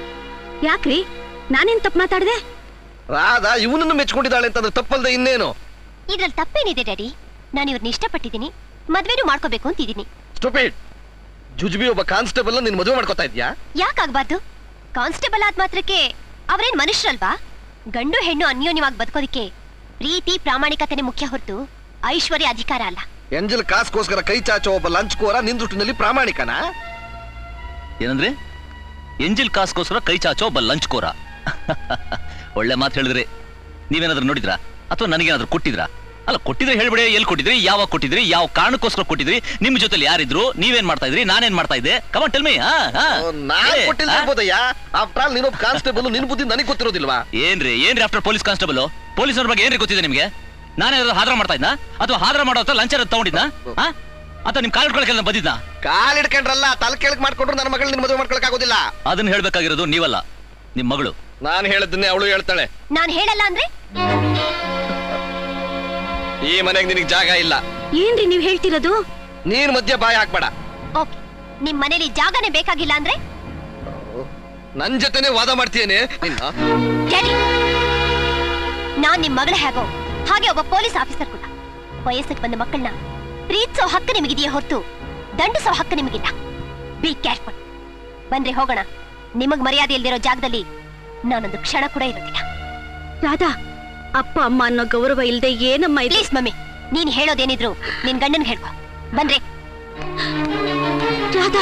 Speaker 7: ಯಾಕ್ರಿ, ನಾನೇನ್ ತಪ್ಪು ಮಾತಾಡ್ದೆ?
Speaker 1: ರಾಧಾ ಇವನನ್ನು ಮೆಚ್ಕೊಂಡಿದ್ದಾಳೆ ಅಂತಂದ್ರೆ ತಪ್ಪಲ್ದೆ ಇನ್ನೇನು?
Speaker 6: ಇದ್ರಲ್ಲಿ ತಪ್ಪೇನಿದೆ ಡ್ಯಾಡಿ? ನಾನು ಇವ್ರನ್ನ ಇಷ್ಟಪಟ್ಟಿದ್ದೀನಿ, ಮದ್ವೆನೂ ಮಾಡ್ಕೋಬೇಕು ಅಂತಿದ್ದೀನಿ.
Speaker 8: ಸ್ಟುಪಿಡ್! ಜುಜುಬಿ ಒಬ್ಬ ಕಾನ್ಸ್ಟೇಬಲ್ ನಿನ್ ಮದುವೆ ಮಾಡ್ಕೋತಾ ಇದ್ಯಾ?
Speaker 6: ಯಾಕಾಗ್ಬಾರ್ದು? ಕಾನ್ಸ್ಟೇಬಲ್ ಆದ ಮಾತ್ರಕ್ಕೆ ಅವ್ರೇನ್ ಮನುಷ್ಯರಲ್ವಾ? ಗಂಡು ಹೆಣ್ಣು ಅನ್ಯೋನ್ಯವಾಗಿ ಬದುಕೋದಿಕ್ಕೆ ಪ್ರೀತಿ ಪ್ರಾಮಾಣಿಕತೆನೆ ಮುಖ್ಯ ಹೊರತು ಐಶ್ವರ್ಯ ಅಧಿಕಾರ ಅಲ್ಲ.
Speaker 8: ಎಂಜಲ್ ಕಾಸ್ಗೋಸ್ಕರ ಕೈ ಚಾಚೋ ಒಬ್ಬ ಲಂಚ್ಕೋರ ನಿನ್ ದೃಷ್ಟಿನಲ್ಲಿ ಪ್ರಾಮಾಣಿಕನ?
Speaker 2: ಏನಂದ್ರೆ ಎಂಜಿಲ್ ಕಾಸ್ಗೋಸ್ಕರ ಕೈ ಚಾಚೋ ಒಬ್ಬ ಲಂಚ್ ಕೋರ. ಒಳ್ಳೆ ಮಾತು ಹೇಳಿದ್ರಿ. ನೀವೇನಾದ್ರೂ ನೋಡಿದ್ರಾ ಅಥವಾ ನನಗೇನಾದ್ರೂ ಕೊಟ್ಟಿದ್ರಾ? ಅಲ್ಲ, ಕೊಟ್ಟಿದ್ರೆ ಹೇಳ್ಬಿಡಿ, ಎಲ್ಲಿ ಕೊಟ್ಟಿದ್ರಿ, ಯಾವಾಗ ಕೊಟ್ಟಿದ್ರಿ, ಯಾವ ಕಾರಣಕ್ಕೋಸ್ಕರ ಕೊಟ್ಟಿದ್ರಿ, ನಿಮ್ ಜೊತೆಲಿ ಯಾರಿದ್ರು, ನೀವೇನ್ ಮಾಡ್ತಾ ಇದ್ರಿ, ನಾನೇನ್ ಮಾಡ್ತಾ ಇದ್ದೆ? Come on tell me.
Speaker 8: ನಾನ್ ಕೊಟ್ಟಿಲ್ಬೋದಯ್ಯ. ಆಫ್ಟರ್ ಆಲ್ ನೀನೊಬ್ಬ ಕಾನ್ಸ್ಟೇಬಲ್, ನಿನ್ ಬುದ್ಧಿ ನನಗೆ ಗೊತ್ತಿರೋದಿಲ್ವಾ?
Speaker 2: ಏನ್ರಿ ಏನ್ರಿ ಆಫ್ಟರ್ ಪೊಲೀಸ್ ಕಾನ್ಸ್ಟೇಬಲ್? ಪೊಲೀಸರ ಬಗ್ಗೆ ಏನ್ರಿ ಗೊತ್ತಿದೆ ನಿಮ್ಗೆ? ನಾನೇನಾದ್ರು ಹಾದ್ರ ಮಾಡ್ತಾ ಇದ್ನಾ ಅಥವಾ ಹಾದ್ರ ಮಾಡೋ ಲಂಚ ತಗೊಂಡಿದ್ನಾ ಅಥವಾ ನಿಮ್ ಕಾಲ್ ಇಟ್ಕೊಳಕ್ಕೆಲ್ಲ ಬಂದಿದ್ನಾ?
Speaker 8: ಕಾಲ್ ಇಟ್ಕೊಂಡ್ರಲ್ಲ, ತಲೆ ಕೆಳಕ್ ಮಾಡ್ಕೊಂಡ್ರು ನನ್ನ ಮಗಳು ನಿನ್ ಮದುವೆ ಮಾಡ್ಕೊಳಕ್ ಆಗೋದಿಲ್ಲ.
Speaker 2: ಅದನ್ನ ಹೇಳ್ಬೇಕಾಗಿರೋದು ನೀವಲ್ಲ, ನಿಮ್ ಮಗಳು.
Speaker 8: ನಾನ್ ಹೇಳದನ್ನೇ ಅವಳು ಹೇಳ್ತಾಳೆ.
Speaker 6: ನಾನ್ ಹೇಳಲ್ಲ ಅಂದ್ರೆ
Speaker 8: ಈ ಮನೆಗೆ ನಿನಗೆ ಜಾಗ ಇಲ್ಲ.
Speaker 7: ಏನ್ರಿ ನೀವ್ ಹೇಳ್ತಿರೋದು?
Speaker 8: ನೀನ್ ಮಧ್ಯ ಬಾಯಿ ಹಾಕ್ಬೇಡ.
Speaker 6: ಓಕೆ, ನಿಮ್ ಮನೇಲಿ ಜಾಗನೇ ಬೇಕಾಗಿಲ್ಲ ಅಂದ್ರೆ
Speaker 8: ನನ್ ಜೊತೆನೆ ವಾದ ಮಾಡ್ತೀಯೇನೆ ನಿನ್ನ?
Speaker 6: ಡ್ಯಾಡಿ, ನಾನ್ ನಿಮ್ ಮಗಳ ಹೇಗೋ ಹಾಗೆ ಒಬ್ಬ ಪೊಲೀಸ್ ಆಫೀಸರ್ ಕೂಡ. ವಯಸ್ಸಿಗೆ ಬಂದ ಮಕ್ಕಳನ್ನ ಪ್ರೀತಿಸೋ ಹಕ್ಕು ನಿಮಗಿದೆಯೇ ಹೊರತು ದಂಡಿಸೋ ಹಕ್ಕು ನಿಮಗಿಲ್ಲ. Be careful. ಬಂದ್ರೆ ಹೋಗೋಣ. ನಿಮಗ್ ಮರ್ಯಾದೆ ಇಲ್ದಿರೋ ಜಾಗದಲ್ಲಿ ನಾನೊಂದು ಕ್ಷಣ ಕೂಡ ಇರೋದಿಲ್ಲ.
Speaker 7: ರಾಧಾ, ಅಪ್ಪ ಅಮ್ಮ ಅನ್ನೋ ಗೌರವ ಇಲ್ದೆ ಏನಮ್ಮ ಇದು?
Speaker 6: ಪ್ಲೀಸ್ ಮಮ್ಮಿ, ನೀನ್ ಹೇಳೋದೇನಿದ್ರು ನಿನ್ ಗಂಡನ್ ಹೇಳ್ಕೊ. ಬಂದ್ರೆ
Speaker 7: ರಾಧಾ,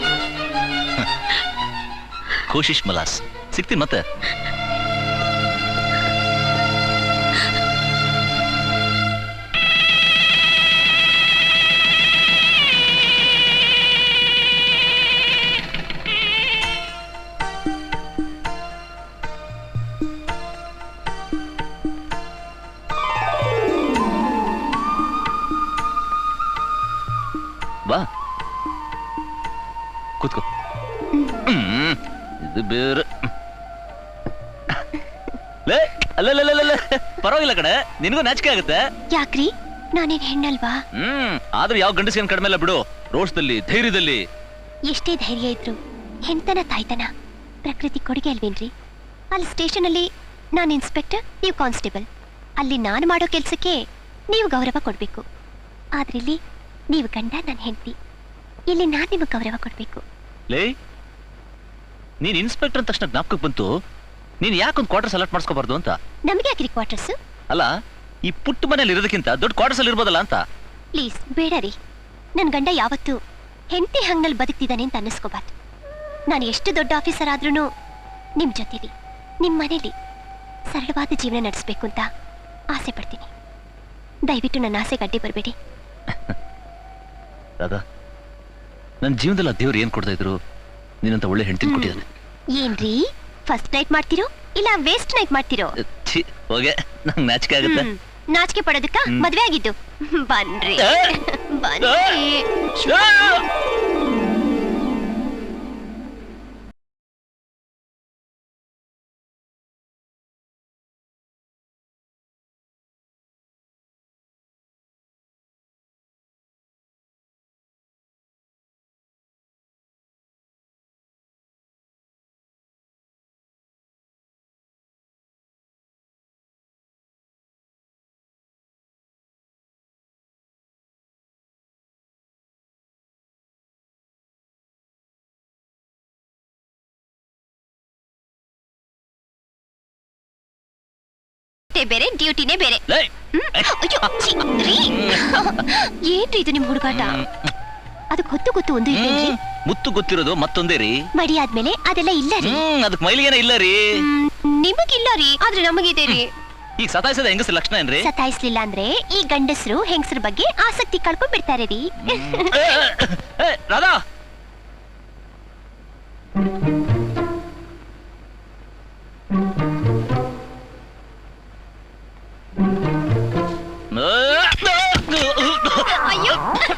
Speaker 2: ಕೋಶಿಶ್ ಮಲಾಸ್ ಸಿಗ್ತೀನಿ ಮತ್ತೆ. ಬಾ ಕೂತ್ಕೋ. ಇದು ಬೇರೆ. ಲೇ ಅಲ್ಲ, ಪರವಾಗಿಲ್ಲ ಕಡೆ, ನಿನಗೂ ನಾಚಿಕೆ ಆಗುತ್ತೆ.
Speaker 6: ಯಾಕ್ರಿ, ನಾನೇನ್ ಹೆಣ್ಣಲ್ವಾ?
Speaker 2: ಹ್ಮ್ ಆದ್ರೂ ಯಾವ ಗಂಡಸಿನ ಕಡಿಮೆ ಇಲ್ಲ ಬಿಡು. ರೋಷದಲ್ಲಿ, ಧೈರ್ಯದಲ್ಲಿ.
Speaker 6: ಎಷ್ಟೇ ಧೈರ್ಯ ಇದ್ರು ಹೆಣ್ತನ ತಾಯ್ತನ ಪ್ರಕೃತಿ ಕೊಡುಗೆ ಅಲ್ವೇನ್ರಿ? ಅಲ್ಲಿ ಸ್ಟೇಷನ್ ಅಲ್ಲಿ ನಾನು ಇನ್ಸ್ಪೆಕ್ಟರ್, ನೀವು ಕಾನ್ಸ್ಟೇಬಲ್. ಅಲ್ಲಿ ನಾನು ಮಾಡೋ ಕೆಲ್ಸಕ್ಕೆ ನೀವು ಗೌರವ ಕೊಡ್ಬೇಕು. ಆದ್ರೆ ಇಲ್ಲಿ ನೀವು ಗಂಡ, ನಾನು ಹೆಂಡತಿ. ಇಲ್ಲಿ ನಾನು ನಿಮಗೆ ಗೌರವ ಕೊಡ್ಬೇಕು.
Speaker 2: ಲೇ, ನೀನ್ ಇನ್ಸ್ಪೆಕ್ಟರ್ ಅಂದ ತಕ್ಷಣ ಜ್ಞಾಪಕಕ್ಕೆ ಬಂತು, ನೀನ್ ಯಾಕೊಂದು ಕ್ವಾರ್ಟರ್ ಸೆಲೆಕ್ಟ್ ಮಾಡಿಸ್ಕೋಬಾರ್ದು ಅಂತ.
Speaker 6: ನಮಗೆ ಯಾಕ್ರಿ ಕ್ವಾರ್ಟರ್ಸ್?
Speaker 2: ಅಲ್ಲ, ಈ ಪುಟ್ಟ ಮನೇಲಿ ಇರೋದಕ್ಕಿಂತ ದೊಡ್ಡ ಕ್ವಾರ್ಟರ್ಸ್ ಅಲ್ಲಿ ಇರ್ಬೋದಲ್ಲ ಅಂತ.
Speaker 6: ಪ್ಲೀಸ್ ಬೇಡ ರೀ. ನನ್ ಗಂಡ ಯಾವತ್ತೂ ಹೆಂಡತಿ ಹಂಗಲ್ಲಿ ಬದುಕ್ತಿದ್ದಾನೆ ಅಂತ ಅನ್ನಿಸ್ಕೋಬಾರ್ದು. ನಾನು ಎಷ್ಟು ದೊಡ್ಡ ಆಫೀಸರ್ ಆದ್ರೂ ನಿಮ್ ಜೊತೆಲಿ, ನಿಮ್ ಮನೇಲಿ ಸರಳವಾದ ಜೀವನ ನಡೆಸಬೇಕು ಅಂತ ಆಸೆ ಪಡ್ತೀನಿ. ದಯವಿಟ್ಟು ನನ್ನ ಆಸೆಗೆ ಅಡ್ಡಿ ಬರಬೇಡಿ.
Speaker 2: ರಾಧಾ, ನನ್ನ ಜೀವನದಲ್ಲಿ ಆ ದೇವ್ರು ಏನ್ ಕೊಡ್ತಾ ಇದ್ರು, ನೀನಂತ ಒಳ್ಳೆ ಹೆಂಡತಿ ಕೊಟ್ಟಿದ್ದಾನೆ.
Speaker 6: ಏನ್ರಿ, ಫಸ್ಟ್ ನೈಟ್ ಮಾಡ್ತಿರೋ ಇಲ್ಲ ವೇಸ್ಟ್ ನೈಟ್ ಮಾಡ್ತಿರೋ?
Speaker 2: ಛೀ, ಹೋಗೆ, ನಂಗೆ ನಾಚಿಕೆ ಆಗುತ್ತೆ.
Speaker 6: ನಾಚಿಕೆ ಪಡೋದಕ್ಕ ಮದ್ವೆ ಆಗಿದ್ದು. ಬನ್ರಿ ಬನ್ರಿ. ಬೇರೆ ಡ್ಯೂಟಿನೇ ಬೇರೆ. ಏನ್ರಿ ಇದು ನಿಮ್ ಹುಡುಗಾಟ? ಅದಕ್ಕೆ ಹೊತ್ತು ಗೊತ್ತು ಒಂದು ಇಲ್ಲೇನ್ರಿ?
Speaker 2: ಮುತ್ತು ಗೊತ್ತಿರೋದು ಮತ್ತೊಂದೇ ರೀ.
Speaker 6: ಮಡಿ ಆದ್ಮೇಲೆ ಅದೆಲ್ಲ ಇಲ್ಲ ರೀ.
Speaker 2: ಅದಕ್ಕೆ ಮೈಲಿಗೇನ ಇಲ್ಲ ರೀ.
Speaker 6: ನಿಮಗಿಲ್ಲ ರೀ, ಆದ್ರೆ ನಮಗಿದೆ ರೀ.
Speaker 2: ಈಗ ಸತಾಯಿಸದ ಹೆಂಗಸರ ಲಕ್ಷಣ ಏನ್ರಿ?
Speaker 6: ಸತಾಯಿಸ್ಲಿಲ್ಲ ಅಂದ್ರೆ ಈ ಗಂಡಸರು ಹೆಂಗಸರ ಬಗ್ಗೆ ಆಸಕ್ತಿ ಕಳ್ಕೊಂಡ್ ಬಿಡ್ತಾರೆ ರೀ.
Speaker 2: ರಾಧಾ,
Speaker 6: ಅಯ್ಯೋ,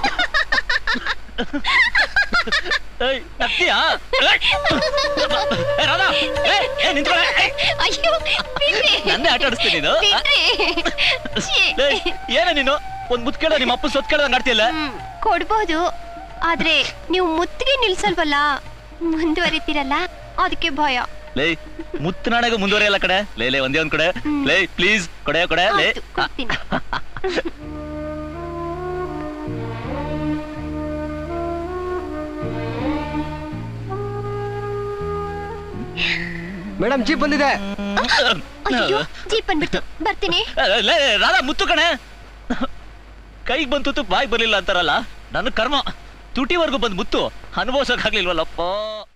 Speaker 2: ನಂದೇ ಆಟ ಆಡಿಸ್ತೀನಿ. ಏನ ನೀನು ಒಂದ್ ಮುತ್ ಕೇಳ, ನಿಮ್ಮ ಅಪ್ಪ ಸೊತ್ ಕೇಳಂಗ್ ಆಡ್ತಿಯಲ್ಲ.
Speaker 6: ಕೊಡ್ಬೋದು, ಆದ್ರೆ ನೀವು ಮುತ್ತಿಗೆ ನಿಲ್ಸಲ್ವಲ್ಲ, ಮುಂದುವರಿತೀರಲ್ಲ, ಅದಕ್ಕೆ ಭಯ.
Speaker 2: ಲೇ, ಮುತ್ತು ನಾಣಗ ಮುಂದುವರಿಯಲ್ಲ ಕಡೆ. ಲೇ ಲೇ ಒಂದೇ ಒಂದ್ ಕಡೆ. ಲೇ ಪ್ಲೀಸ್ ಕೊಡೆ ಕೊಡೆ. ಲೇ
Speaker 5: ಮೇಡಮ್ ಜೀಪ್ ಬಂದಿದೆ.
Speaker 6: ಅಯ್ಯೋ ಜೀಪ್ ಬಂದ್ಬಿಡ್ತು, ಬರ್ತೀನಿ.
Speaker 2: ರಾಧಾ ಮುತ್ತು ಕಣೆ, ಕೈಗೆ ಬಂತು ಬಾಯಿ ಬರ್ಲಿಲ್ಲ ಅಂತಾರಲ್ಲ, ನನ್ನ ಕರ್ಮ ತುಟಿವರೆಗೂ ಬಂದ್ ಮುತ್ತು ಅನುಭವಿಸೋಕಾಗ್ಲಿಲ್ವಲ್ಲಪ್ಪ.